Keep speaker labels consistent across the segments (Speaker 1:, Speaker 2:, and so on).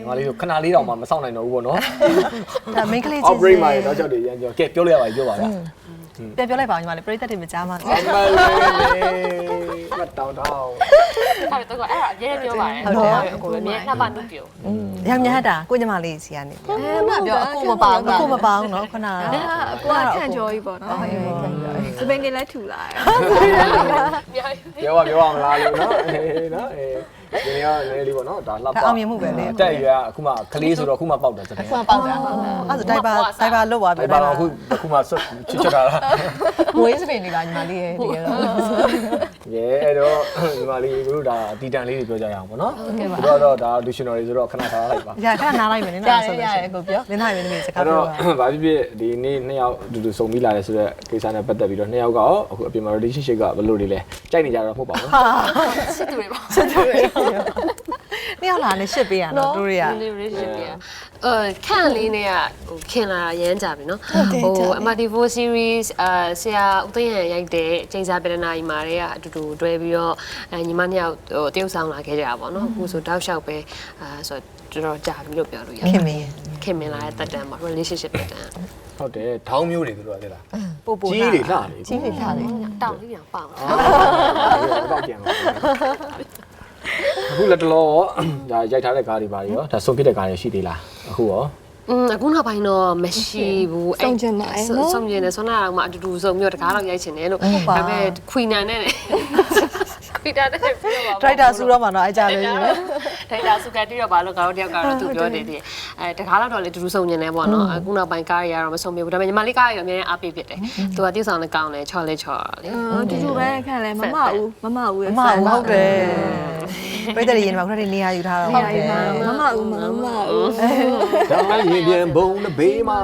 Speaker 1: ငါလေးတို့ခဏလေးတောင်မှမဆောင်နိုင်တော့ဘူးပေါ့နော်
Speaker 2: ဒါ main ကလေးချင်း
Speaker 1: outbreak မှာတော့ကြောက်တယ်ရမ်းကြောကဲပြောလိုက်ရပါပြောပါလား
Speaker 2: ပြန်ပြောလိုက်ပါဦးညီမလေးပရိသတ်တွေမကြားမှာ
Speaker 1: အမလေးမတောင်းတောင်း
Speaker 3: အဲ့တော့အဲ့ဒါရဲပြောပါတယ်အကိုလည်းမြဲနှစ်ပါးနုပြော
Speaker 2: ရမ်းများတာကိုညီမလေးစီကနေ
Speaker 4: မပြောအခုမပါဘူး
Speaker 2: ကိုမပေါင်းနော်ခဏ
Speaker 4: ကိုကခန့်ကြော်ကြီးပေါ့နော်စပင်ကလည်းထူလာတယ်
Speaker 1: ပြောပါမလားလို့နော်နော်ဒီနေ့ကလေးလေးပေါ့နော်ဒါလှပ
Speaker 2: အောင်မြင်မှုပဲလေ
Speaker 1: တက်ရွယ်အခုမှကလေးဆိုတော့အခုမှပေါက်တယ်စတဲ့
Speaker 4: ခုမှပေါက်တာ
Speaker 2: အဲ့ဒါဒိုင်ဘာလွတ်သွားပြီ
Speaker 1: ဒါပါအခုမှဆွတ်ချွတ်တာလား
Speaker 2: မွေးစပင်နေတာညီမလေးရဲ့ဒီကတော့
Speaker 1: ရဲအဲ့တော့ဒီမလေးတို့ဒါတီတန်လေးတွေပြောကြရအောင်ပေါ့နော်တော့ဒါလူရှင်တော်တွေဆိုတော့ခဏထားလိုက်ပါ
Speaker 2: ရခဏနားလိုက်မယ်နော်ဆိုလို့ရှိရင်ကိုပြောလင်းသားရင်းနေစကား
Speaker 1: အဲ့
Speaker 2: ပြော
Speaker 1: တော့ဗာဖြစ်ဖြစ်ဒီနေ့နှစ်ယောက်အတူတူစုံပြီးလာတယ်ဆိုတော့ကိစ္စနဲ့ပတ်သက်ပြီးတော့နှစ်ယောက်ကရောအခုအပြင်မှာ relationship ကဘယ်လိုတွေလဲကြိုက်နေကြတော့မဟုတ်ပါဘူး
Speaker 3: စစ်သူတွေပါ
Speaker 2: နှစ်ယောက်လာနဲ့ရှစ်ပေးရနော်တို့တွေက
Speaker 3: relationship ပြခန့်လေးနဲ့ကဟိုခင်လာရမ်းကြပြီနော်ဟို MRT4 series ဆရာဦးသိန်းရန်ရိုက်တဲ့ချိန်စာပြည်နာကြီးမှာတွေကအတူတူတွဲပြီးတော့ညီမနှစ်ယောက်ဟိုတရုပ်ဆောင်လာခဲ့ကြတာပေါ့နော်အခုဆိုတောက်လျှောက်ပဲဆိုတော့တော်ကြာပြီလို့ပြောလို့ရတယ်
Speaker 2: ခင်မင်း
Speaker 3: ခင်မင်လာတဲ့တက်တန်းပါ relationship တက်တန်း
Speaker 1: ဟုတ်တယ်ထောင်းမျိုးတွေသူတို့ကလေလား
Speaker 2: ပို့ပို့
Speaker 1: ကြီးတွေလှလေ
Speaker 2: ကြီးတွေထားတယ်
Speaker 3: တောင်းလေးပြန်ပေါက်
Speaker 1: တော့ပြန်ပါအခုလက်တလောဒါရိုက်ထားတဲ့ကားတွေပါရောဒါဆုံးဖြစ်တဲ့ကားတွေရှိသေးလားအခုရော
Speaker 3: အခုနောက်ပိုင်းတော့မရှိဘူးဆုံးကျင်တယ်ဆွမ်းနာတော့မှအတူတူဆုံးမျိုးတကားတော့ရိုက်ချင်တယ်လို့ဒါပေမဲ့ခွီနန်နဲ့ခွီတာနဲ့ပြောပါ
Speaker 2: ဒရိုက်တာဆူတော့မှတော့အကြလေးရှိတယ်
Speaker 3: ဒရိုက်တာဆူကတိတော့ဘာလို့ကတော့တယောက်ကတော့သူပြောနေတယ်တကားတော့လေတူတူဆုံးကျင်တယ်ပေါ့နော်အခုနောက်ပိုင်းကားတွေကတော့မဆုံးပြဘူးဒါပေမဲ့ညီမလေးကားတွေအများကြီးအားပေးဖြစ်တယ်သူကတိဆောင်နဲ့ကောင်းတယ်ချော်လေချော်လေ
Speaker 4: တူတူပဲခန့်လဲမမဦးရဲ့
Speaker 2: မမဟုတ်တယ်ပြိတ္တရင်မှာခုနကနေရာယူထားတော့ဟုတ်တယ်
Speaker 4: မမဦး
Speaker 1: ဒါရင်ပြန်ဘုံနဲ့ဘေးမှာ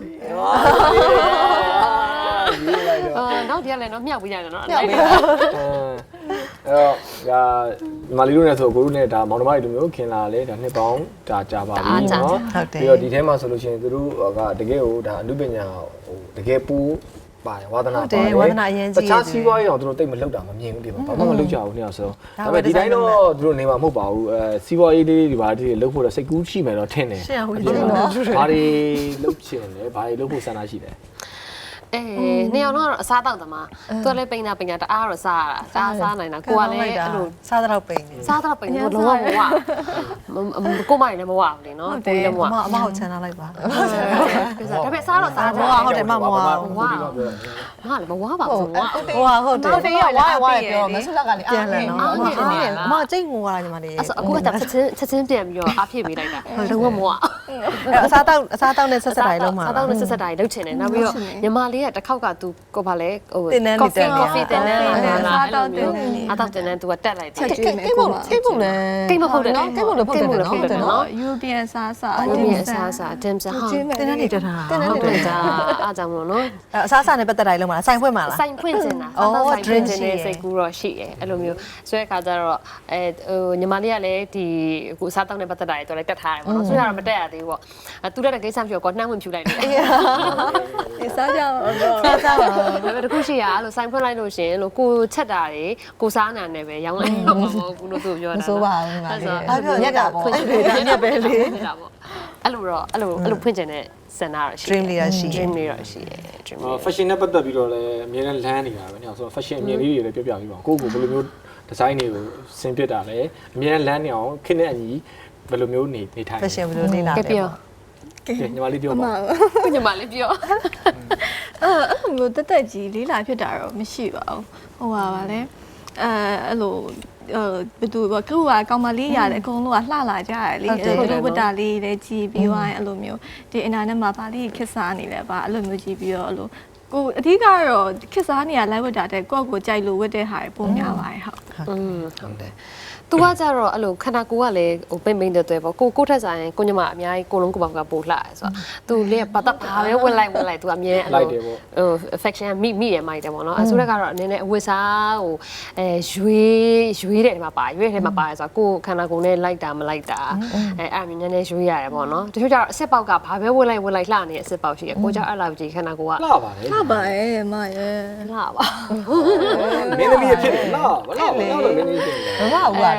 Speaker 1: ရေးလိုက်တော့
Speaker 3: နောက်တည်းလည်းတော့မြောက်ပြီးရတယ်နော်
Speaker 2: မြောက်ပြီး
Speaker 1: အဲ့တော့ဒါမာလီတို့နဲ့ဆိုကိုတို့နဲ့ဒါမောင်နှမတွေလိုမျိုးခင်လာလေဒါနှစ်ပေါင်းဒါကြာပါပြီနော်ပြီးတော့ဒီထဲမှာဆိုလို့ရှိရင်သူတို့ကတကယ်ကိုဒါအနုပညာဟိုတကယ်ပူပါတယ်ဝါသနာပါတယ်
Speaker 2: ဝါသနာအရင်ကြီး
Speaker 1: တခြားစီးပွားရေးတော့သူတို့တိတ်မလောက်တာမမြင်ဘူးဒီမှာဘာမှမလောက်ကြဘူးနှစ်ယောက်ဆိုဒါပေမဲ့ဒီတိုင်းတော့သူတို့နေမှာမဟုတ်ပါဘူးစီးပွားရေးလေးတွေဘာတွေလောက်ဖို့တော့စိတ်ကူးရှိမယ်တော့ထင်တယ်
Speaker 2: ရှင်းဟုတ်တယ်နော်
Speaker 1: ဘာတွေလောက်ချင်လဲဘာတွေလောက်ဖို့ဆန္ဒရှိလဲ
Speaker 3: နေအောင်တော့အစားတောက်သမားသူကလည်းပိန်တာတအားတော့စားရတာစားနိုင်တာကိုကလည်းအဲ့လို
Speaker 2: စားတော့ပိန်နေ
Speaker 3: စားတော့ပိန်တော့လုံးဝမဝကိုမိုင်လည်းမဝဘူးလေနော်ကိုလည်းမဝ
Speaker 2: အမဟုတ်ချန်ထားလိုက်ပါ
Speaker 3: ဒါပေမဲ့စားတော့စားတယ်
Speaker 2: ဟုတ်တယ်မမဝ
Speaker 3: ငါလည်းမဝပါဘူးငါ
Speaker 2: ဟိုဟုတ်တယ်
Speaker 4: ဟုတ်တယ်ဝါပြောမဆုလက်ကလည်း
Speaker 2: ပြန်လဲနော်အမကျိတ်ငိုရတာညီမလေး
Speaker 3: အဲ့အခုကချက်ချင်းပြန်ပြီးတော့အားဖြည့်ပေးလိုက်တာလုံးဝမဝ
Speaker 2: အစားတောက်နဲ့ဆက်ဆက်တိုင်းလုံးမှာ
Speaker 3: စားတော့ဆက်တိုင်းလုပ်ချင်တယ်နောက်ပြီးတော့ညီမလေးကတစ်ခေါက်ကသူကိုဗာလဲဟို
Speaker 2: တင်နန်းနေတက်
Speaker 3: ကော်ဖီတင်နန်းလာ
Speaker 4: စားတော့တင်နေ
Speaker 3: အားတော့တင်နန်းသူကတက်လိုက်တယ်
Speaker 4: ချက်ကျွေးမယ်ကိုက
Speaker 2: ကိတ်ဖို့လဲ
Speaker 3: ကိတ်မဟုတ်တယ်နော်
Speaker 2: ကိတ်ဖို့လဲဖုတ်တယ်နော်
Speaker 3: ဟုတ်တယ်နော်
Speaker 4: European စားစား
Speaker 3: အမြင်အစားအစာအတင်းစားဟာ
Speaker 2: တင်နန်းနေတက်တာ
Speaker 3: ဟုတ်တယ်ဒါအားကြောင့်မလို့နော်
Speaker 2: အစားစားနဲ့ပတ်သက်တိုင်းလုံးမှာဆိုင်ဖွင့်မှာလား
Speaker 3: ဆိုင်ဖွင့်နေတာဆိုင်ဖွင့်နေတဲ့စိတ်ကူးတော့ရှိတယ်အဲ့လိုမျိုးဆိုတဲ့အခါကျတော့ဟိုညီမလေးကလည်းဒီအခုအစားတောက်နဲ့ပတ်သက်တာတွေတော့လည်းတက်ထားတယ်ပေါ့နော်ဆိုတော့မတက်ရသေးဘူးပေါ့သူတက်တဲ့ကိစ္စမျိုးကိုနှမ်းဝင်ဖြူလိုက်တယ်
Speaker 4: စားကြအောင်တော့
Speaker 2: စားပါ
Speaker 3: ဒါပေမဲ့တခုရှိရအဲ့လိုဆိုင်ဖွင့်လိုက်လို့ရှင်လို့ကိုချက်တာတွေကိုစားနာနဲ့ပဲရောင်းလိုက်တော့မဟုတ်ဘူးလို့သူပြောတာ
Speaker 2: မစိုးပါဘူးငါလေး
Speaker 3: အဲ့ဒါညက်ကပေါ့
Speaker 2: ညက်ပဲလေ
Speaker 3: အဲ့လိုဖွင့်ကျင်တဲ့စင်နာတော့ရှိ
Speaker 2: dream လေးရရှိ
Speaker 3: dream လေးတော့ရှိတယ် dream လေး
Speaker 1: fashion နဲ့ပတ်သက်ပြီးတော့လည်းအများနဲ့လမ်းနေတာပဲညဆိုတော့ fashion အမြင်လေးတွေလည်းပြောပြပြီးပါကိုကိုဘယ်လိုမျိုး design တွေကိုဆင်ပြတာလဲအများနဲ့လမ်းနေအောင်ခင်းတဲ့အညီဘယ်လိုမျိုးနေထိုင်
Speaker 2: fashion ဘယ်လိုနေလာ
Speaker 3: ကဲ
Speaker 2: လဲ
Speaker 3: ပြော
Speaker 1: ညီမလေးပြောပါ
Speaker 3: ကိုညီမလေးပြော
Speaker 4: အဲ့လိုတက်ကြီးလေးလာဖြစ်တာတော့မရှိပါဘူးဟိုပါလေအဲ့လိုဘယ်သူကကိုကကောင်မလေးရတယ်အကုန်လုံးကလှလာကြတယ်လေသူဝတ္တာလေးလည်းကြည်ပြီးသွားရင်အဲ့လိုမျိုးဒီအင်တာနက်မှာဗာလေးခစ်စားနေလဲဗာအဲ့လိုမျိုးကြည်ပြီးတော့အဲ့လိုကိုအဓိကတော့ခစ်စားနေရလိုက်ဝတ်တာတဲ့ကိုယ့်ကိုကြိုက်လို့ဝတ်တဲ့ဟာပုံများပါတယ်ဟုတ်
Speaker 3: ဟုတ်တယ်သူကကြတော့အဲ့လိုခန္ဓာကိုယ်ကလည်းဟိုပိမ့်ပိမ့်တဲ့ပေါ့ကိုထက်ဆိုင်ကိုညီမအများကြီးကိုလုံးကိုပေါင်ကပို့လှတယ်ဆိုတော့သူလေးပတ်သက်ဘာပဲဝင်လိုက်သူအမြဲအဲ့လိုဟို affection မိရမိုက်တယ်ပေါ့နော်အဆိုးတက်ကတော့အနေနဲ့အဝတ်စားဟိုရွေးတဲ့ထဲမှာပါရွေးတဲ့ထဲမှာပါတယ်ဆိုတော့ကိုခန္ဓာကိုယ်နဲ့လိုက်တာမလိုက်တာအဲ့အမြင်နဲ့ရွေးရတယ်ပေါ့နော်တချို့ကျတော့အစ်စ်ပေါက်ကဘာပဲဝင်လိုက်လှနေတဲ့အစ်စ်ပေါက်ရှိတယ်ကိုကြောင့်အဲ့လောက်ကြီးခန္ဓာကိုယ်က
Speaker 1: လှပါလေ
Speaker 4: လှပါရဲ့မရဲ့
Speaker 3: လှပါ
Speaker 1: မင်းသမီးဖြစ်တယ်လှပါလို့မင်းသမီးဖြစ်တယ်
Speaker 2: ဘာမှဟုတ်ပါ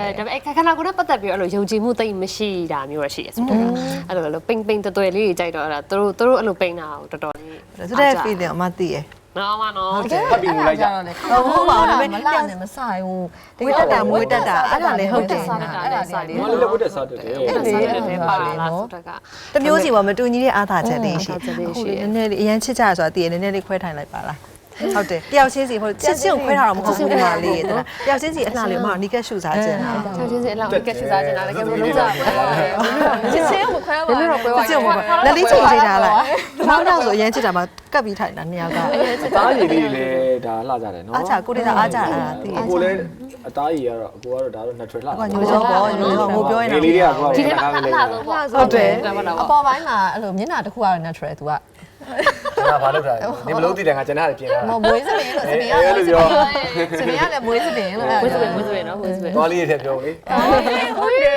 Speaker 3: ဒါပေမဲ့ခဏကိုပတ်သက်ပြီးအဲ့လိုယုံကြည်မှုသိမရှိတာမျိုးရရှိရဆိုတော့အဲ့လိုပိန်ပိန်တွယ်လေးကြီးကြိုက်တော့အဲ့ဒါသူတို့အဲ့လိုပိန်တာကိုတော်တော်လေး
Speaker 2: ဆိုတဲ့ feeling အမသိရ
Speaker 3: နော်မနော်
Speaker 1: ဖတ်ပြီးလိုက်ကြ
Speaker 2: ဟုတ်ပါဘူးဒါပေ
Speaker 5: မ
Speaker 2: မဲ့
Speaker 5: လာနဲ့မဆိုင်ဘူး
Speaker 2: တကယ်တက်တာမွေးတက်တာအဲ့ဒါလည်းဟုတ်တယ်
Speaker 3: စားတာလည်းစားတယ်
Speaker 1: မလေးလည်းဝတ်တဲ့စားတယ်
Speaker 3: အဲ့ဒါစားတယ်ပါလားဆိုတော့က
Speaker 2: တမျိုးစီပေါ်မတူညီတဲ့အားသာချက်တွေရှိအခုနည်းနည်းလေးအရင်ချစ်ကြရဆိုတာတည်ရနည်းနည်းလေးခွဲထိုင်လိုက်ပါလားဟုတ်တယ်တယောက်ချင်းစီဟိုချစ်ကိုခွဲထားတော့မဟုတ်ဘူးဒီမှာလေးတယောက်ချင်းစီအလှလေးမှနီကက်ရှူစားခြင်းတာ
Speaker 3: ချောင်းချင်းစီအလောက်ကက်စစ်စားနေတာလည်းကဲဘယ်လိုလုပ်ကြလဲချစ်ချင်းကိုခွဲပါဘယ်လိုတော့ခွဲပါ
Speaker 2: ချစ်ကိုလက်လေးချိန်ချိန်ထားလိုက်နောက်တော့ဆိုအရင်ချစ်တာမှကပ်ပြီးထိုင်တာနှစ်ယောက်က
Speaker 1: အသားရည်လေးလည်းဒါလှကြတယ်နော်
Speaker 2: အားချကိုတေးတာအားချတာတည်
Speaker 1: ကိုလည်းအသားရည်ကတော့အကိုကတော့ဒါတော့ natural လှ
Speaker 2: ကညိုစောပေါ့ညိုစောငိုပြောရင်
Speaker 1: လေးတွေကကို
Speaker 3: ဒီ
Speaker 1: က
Speaker 3: ထဲမှာ
Speaker 1: ထား
Speaker 3: အ
Speaker 1: လေး
Speaker 3: လှ
Speaker 1: လေး
Speaker 3: ဆုံးပေါ့
Speaker 2: ဟုတ်တယ်
Speaker 5: အပေါ်ပိုင်းမှာအဲ့လိုမျက်နှာတစ်ခုကတော့ natural သူက
Speaker 1: ဒါဘာလုပ်တာလဲနေမလို့တည်တယ်ငါကျန်တာပြင်တာ
Speaker 5: မွေးစပင်းလို့စပင်းရလို့ပြောစပင်းရလည်းမွေးစပင်းလို့
Speaker 3: ဝစ်စပယ်နော်ဝစ်စပယ်
Speaker 1: သွားလေးရဲ့ပြောလေ
Speaker 3: ဟုတ်တယ်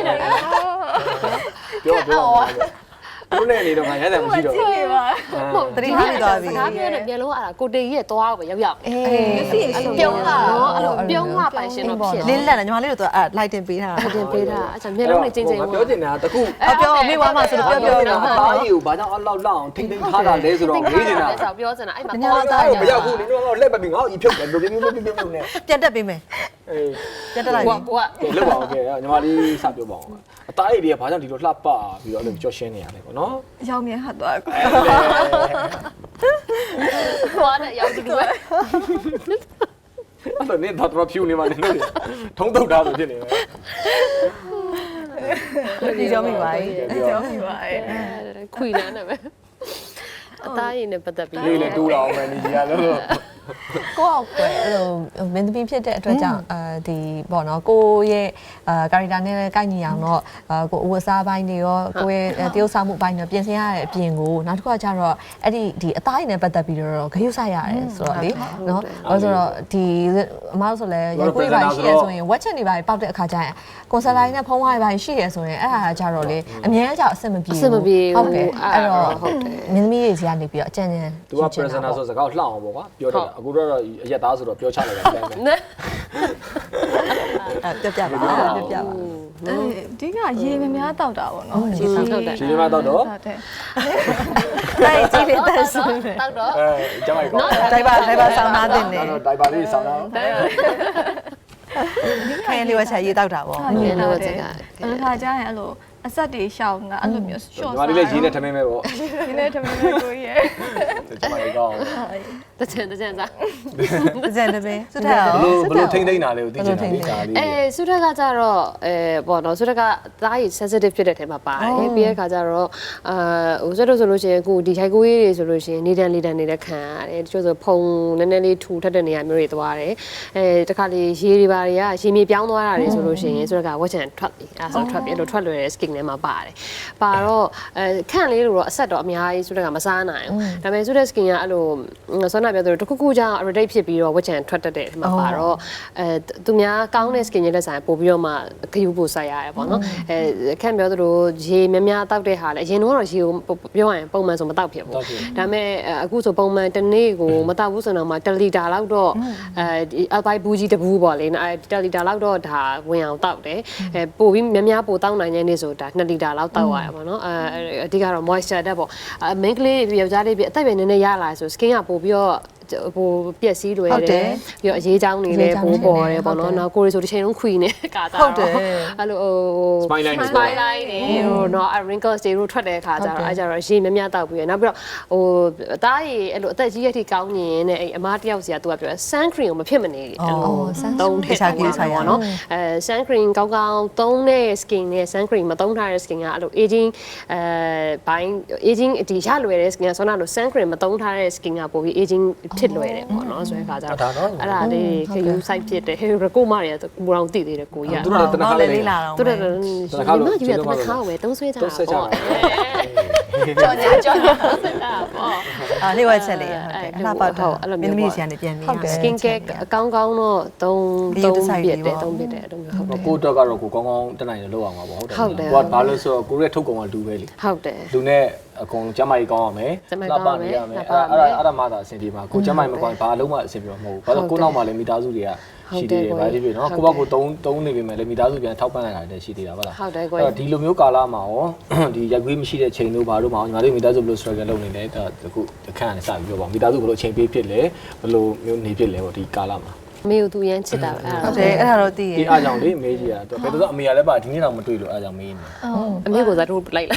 Speaker 1: ပြောဘုနဲ့နေတော့ငါရတယ်မရှိတော့
Speaker 2: တတိထားပြီးသွားပြီ
Speaker 3: ဒါပြောတယ်ပြန်လို့အဲ့ဒါကိုတေကြီးရဲ့သွားကိုပဲရောက်
Speaker 5: အေ
Speaker 3: အဲ့
Speaker 5: း
Speaker 3: ပြုံးလာနော်အဲ့လိုပြုံးလာပိုင်ရှင်တော့ဖြစ်
Speaker 2: လင်းလက်တယ်ညီမလေးတို့အဲ့လိုက်တင်ပေးထားတာ
Speaker 3: တင်ပေးတာအဲ့ဒါမျက်လုံးနဲ့ကျင်းကျင်း
Speaker 1: ပြောချင်တာတခု
Speaker 2: ပြောမေးွားမှဆိုတော့ပြော
Speaker 1: တာအသားရည်ကိုဘာကြောင့်အဲ့လောက်လောက်အောင်ထိမ့်သိမ်းထားတာလဲဆိုတော့မေးနေတာ
Speaker 3: ပြောချင်တာအဲ့မှာ
Speaker 1: ငါတော့မရောက်ဘူးနင်တို့ကတော့လက်ပတ်ပြီးငါ့ကိုဖြုတ်တယ်ဘယ်လိုမျိုးနဲ့
Speaker 2: ပြန်တက်ပေးမယ်
Speaker 1: အေး
Speaker 2: ပြန်တက်လိုက်ပြီ
Speaker 3: ကိုက
Speaker 1: လောက်ပါအောင်ကဲညီမလေးစပြောပါအောင်အသားရည်တွေကဘာကြောင့်ဒီလိုလှပပြီးတော့အဲ့လိုကြော်ရှင်းနေရလဲပေါ့နော်
Speaker 4: ရောင်မြင်ဟာတော့
Speaker 3: ကိုကလည်းရောက်တူတူပဲ
Speaker 1: အဲ့တော့နင်တော့ဖြူနေမှနင်တို့ထုံးတုတ်တာဆိုဖြစ်နေမယ်
Speaker 2: ဒီကြောင့်မိပါ
Speaker 4: ရောင်မြင်ပါရဲ့
Speaker 3: ခွေနန်းနဲ့ပဲအသားရည်နဲ့ပတ်သက်ပြီး
Speaker 1: လေးလည်းတူးတာအောင်မယ်နေကြီးရလို့
Speaker 5: ကိုယ့်အောက်ပဲအဲ့လိုမင်းသမီးဖြစ်တဲ့အတွက်ကြောင့်ဒီပေါ့နော်ကိုရဲ့ကာရီတာနဲ့ကိုက်ညီအောင်တော့ကိုအဝတ်စားပိုင်းတွေရောကိုရဲ့တရုပ်ဆောင်မှုပိုင်းတွေပြင်ဆင်ရတဲ့အပြင်ကိုနောက်တစ်ခုကကျတော့အဲ့ဒီအသားရည်နဲ့ပတ်သက်ပြီးတော့ဂရုစိုက်ရတယ်ဆိုတော့လေနော်ဘာလို့ဆိုတော့ဒီအမားဆိုလဲရေကိုယ်ပိုင်းရှိရဆိုရင်ဝက်ချက်တွေပိုင်းပောက်တဲ့အခါကျရင်ကွန်ဆယ်လိုင်းနဲ့ဖုံးဝိုင်းပိုင်းရှိရဆိုရင်အဲ့ဒါကျတော့လေအများကြီးအဆင်မပြေဘူးဟုတ်ကဲ့အဲ့တော့မင်းသမီးတွေစီကနေပြီးတော့အကြံဉာဏ်
Speaker 1: သူက presenter ဆိုစကားလှအောင်ပေါ့ကွာပြောတယ်အခုတော့အရက်သားဆိုတော့ပြောချလိုက်တာတိုင်းပဲ
Speaker 3: နဲ
Speaker 2: ပြပါပြပါ
Speaker 4: ဒီကရေမများတောက်တာပေါ့နော်
Speaker 3: ဒီဆောင်တော့တယ်
Speaker 1: ရှင်မတော့တော့
Speaker 4: ဟုတ်တယ်
Speaker 2: တိုက်ကြည့်လေတက်ဆို
Speaker 3: တောက်တော့
Speaker 1: ကျမကော
Speaker 2: တိုက်ပါဆောင်းသားတင်နေ
Speaker 1: တော့ဒိုင်ပါလေးဆောင်းတော့
Speaker 2: ခိုင်းလေးဝချက်ရေးတောက်တာပေါ့
Speaker 4: ရေတော့တယ်အဲ့ခါကျရင်အဲ့လိုအဆက်တွေရှောင်းတာအဲ့လိုမျိုး short
Speaker 1: ညီမလေးလည်းရေးနဲ့ထမင်းပဲပေါ့
Speaker 4: ဒီနေ့တမန်ကိုရဲ့
Speaker 1: ကျမလေးကောင်း
Speaker 3: တချင်စား
Speaker 2: ကြံတယ်ပဲစွတ်ထက်အောင်
Speaker 1: ဘလို့ထိမ့်သိမ့်တာလေးကိုသိချင်တာလေးဒါလေး
Speaker 3: ဆုထက်ကကြတော့ပေါ့နော်ဆုထက်ကသားရည် sensitive ဖြစ်တဲ့ထဲမှာပါတယ်ပြီးတဲ့ခါကျတော့ဟိုဆွတ်လို့ဆိုလို့ရှိရင်အခုဒီခြိုက်ကိုရေးတွေဆိုလို့ရှိရင်နေတန်နေတဲ့ခံရတယ်တချို့ဆိုဖုံနည်းနည်းလေးထူထက်တဲ့နေရာမျိုးတွေသွားတယ်တခါလေရေတွေပါတွေကရေမြေပြောင်းသွားတာတွေဆိုလို့ရှိရင်ဆုထက်ကဝက်ချန်ထွက်ပြီအဲဆိုထွက်ပြီအဲ့လိုထွက်လွယ်တဲ့ skin ထဲမှာပါတယ်ပါတော့ခန့်လေးလို့တော့အဆက်တော့အများကြီးဆုထက်ကမစားနိုင်ဘူးဒါပေမဲ့ဆုထက် skin ကအဲ့လိုဆောနာပြောသလိုတစ်ခုခုကြောင့် irritate ဖြစ်ပြီးတော့ဝက်ချန်ထွက်တတ်တဲ့ထဲမှာပါတော့သူများကောင်းတဲ့ skin ရဲ့လက်ဆိုင်ပို့ပြီးတော့မှဂရုပို့ဆိုင်ရတယ်ပေါ့နော်ခန့်ပြောသလိုရေများတောက်တဲ့ဟာလေအရင်တော့ရေကိုပြောရရင်ပုံမှန်ဆိုမတောက်ဖြစ်ဘူးဒါပေမဲ့အခုဆိုပုံမှန်တစ်နေ့ကိုမတောက်ဘူးဆိုတော့မှ1လီတာလောက်တော့အပိုက်ဘူးကြီးတဘူးပေါ့လေ1လီတာလောက်တော့ဒါဝင်အောင်တောက်တယ်ပို့ပြီးများပို့တောက်နိုင်တဲ့နေ့ဆိုဒါ2လီတာလောက်တောက်ရတယ်ပေါ့နော်အဓိကတော့ moisture တက်ပေါ့ main ကလေးယောက်ျားလေးပြအသက်ပဲနည်းနည်းရလာဆို skin ကပို့ပြီးတော့ဟိုပြက်စီးလွယ်တယ်ပြီးတော့အရေးချောင်းနေလဲပိုးပေါ်တယ်ပေါ့နော်နောက်ကိုရီဆိုတစ်ချိန်လုံးခွီနေကာတာဟုတ်တယ်အဲ့လိုဟို
Speaker 1: spine line
Speaker 3: နေဟိုနော် wrinkles တွေထတဲ့ခါကျတော့အဲ့ကြတော့ရေများတောက်ပြီးရနောက်ပြီးတော့ဟိုအသားရည်အဲ့လိုအသက်ကြီးရထိကောင်းရင်တဲ့အဲ့အမားတယောက်စီကသူကပြော sun cream ကိုမဖြစ်မနေအဲ့လိုသုံးထည့်ဆိုင်ရနော် sun cream ကောင်းသုံးတဲ့ skin နဲ့ sun cream မသုံးထားတဲ့ skin ကအဲ့လို aging ဘိုင်း aging ဒီရလွယ်တဲ့ skin ကဆိုတော့ sun cream မသုံးထားတဲ့ skin ကပိုပြီး aging ဖြစ်လွယ်တယ်ပေါ့နော်ဆိုတဲ့ခါကျတော့အဲ့ဒါလေးခယူ site ဖြစ်တယ်ဟဲ့ရကိုမတွေကဘူအောင်သိသေးတယ်ကိုကြီးက
Speaker 1: သူတို့တနခါလေး
Speaker 2: လာတော့
Speaker 3: သူတို့ကယူရတနခါဝယ်သုံးဆွဲကြတာပေါ့
Speaker 5: ကြော်ညာပေါ့
Speaker 2: လေးဝချက်လေးဟုတ်တယ်အလှပတော့မင်းသမီးစီကနေပြန်နေ
Speaker 3: skin care အကောင်းတော့သုံးပြစ်တယ်အဲ့လိုမျိုးဟုတ်တယ်
Speaker 1: ကိုတော့ကတော့ကိုကောင်းကောင်းတက်နိုင်တယ်လောက်အောင်ပါပေါ့ဟုတ်တယ်ကိုကဘာလို့ဆိုတော့ကိုရဲ့ထုတ်ကုန်ကလူပဲလေ
Speaker 3: ဟုတ်တယ်
Speaker 1: လူနဲ့အကုန်ကျမကြီးကောင်းရမယ်လှပနေရမယ်အဲ့ဒါမှသာအဆင်ပြေမှာကိုကျမကြီးမကောင်းဘာလုံးမှအဆင်ပြေမှာမဟုတ်ဘူးဘာလို့ကိုနောက်မှလည်းမိသားစုတွေကရှိသေးတယ်ဗါဒီပြီနော်ကိုယ့်ဘက်ကိုတုံးနေပြီမဲ့လေမိသားစုပြန်ထောက်ပံ့ရတာလည်းရှိသေးတာဗလား
Speaker 3: ဟုတ်တယ်ကို
Speaker 1: အဲ့တော့ဒီလိုမျိုးကာလမှာရောဒီရက်ကွေးမရှိတဲ့ချိန်တို့ဘာလို့မအောင်ညီမတို့မိသားစုဘယ်လို struggle လုပ်နေလဲဒါအခုအခန်းကနေစပြီးပြောပါမိသားစုဘယ်လိုအချိန်ပေးဖြစ်လဲဘယ်လိုမျိုးနေဖြစ်လဲပေါ့ဒီကာလမှာ
Speaker 3: မေကိုသူရမ်းချစ်တာပဲအဲ့
Speaker 2: ဟုတ်တယ်အဲ့ဒါတော့သိရ
Speaker 1: ဒီအားကြောင့်လေမေးကြီးတာဘယ်တော့အမေကလည်းပါဒီနေ့တော့မတွေ့လို့အားကြောင့်မေးနေ
Speaker 3: အမေကိုစားတို့လိုက်လာ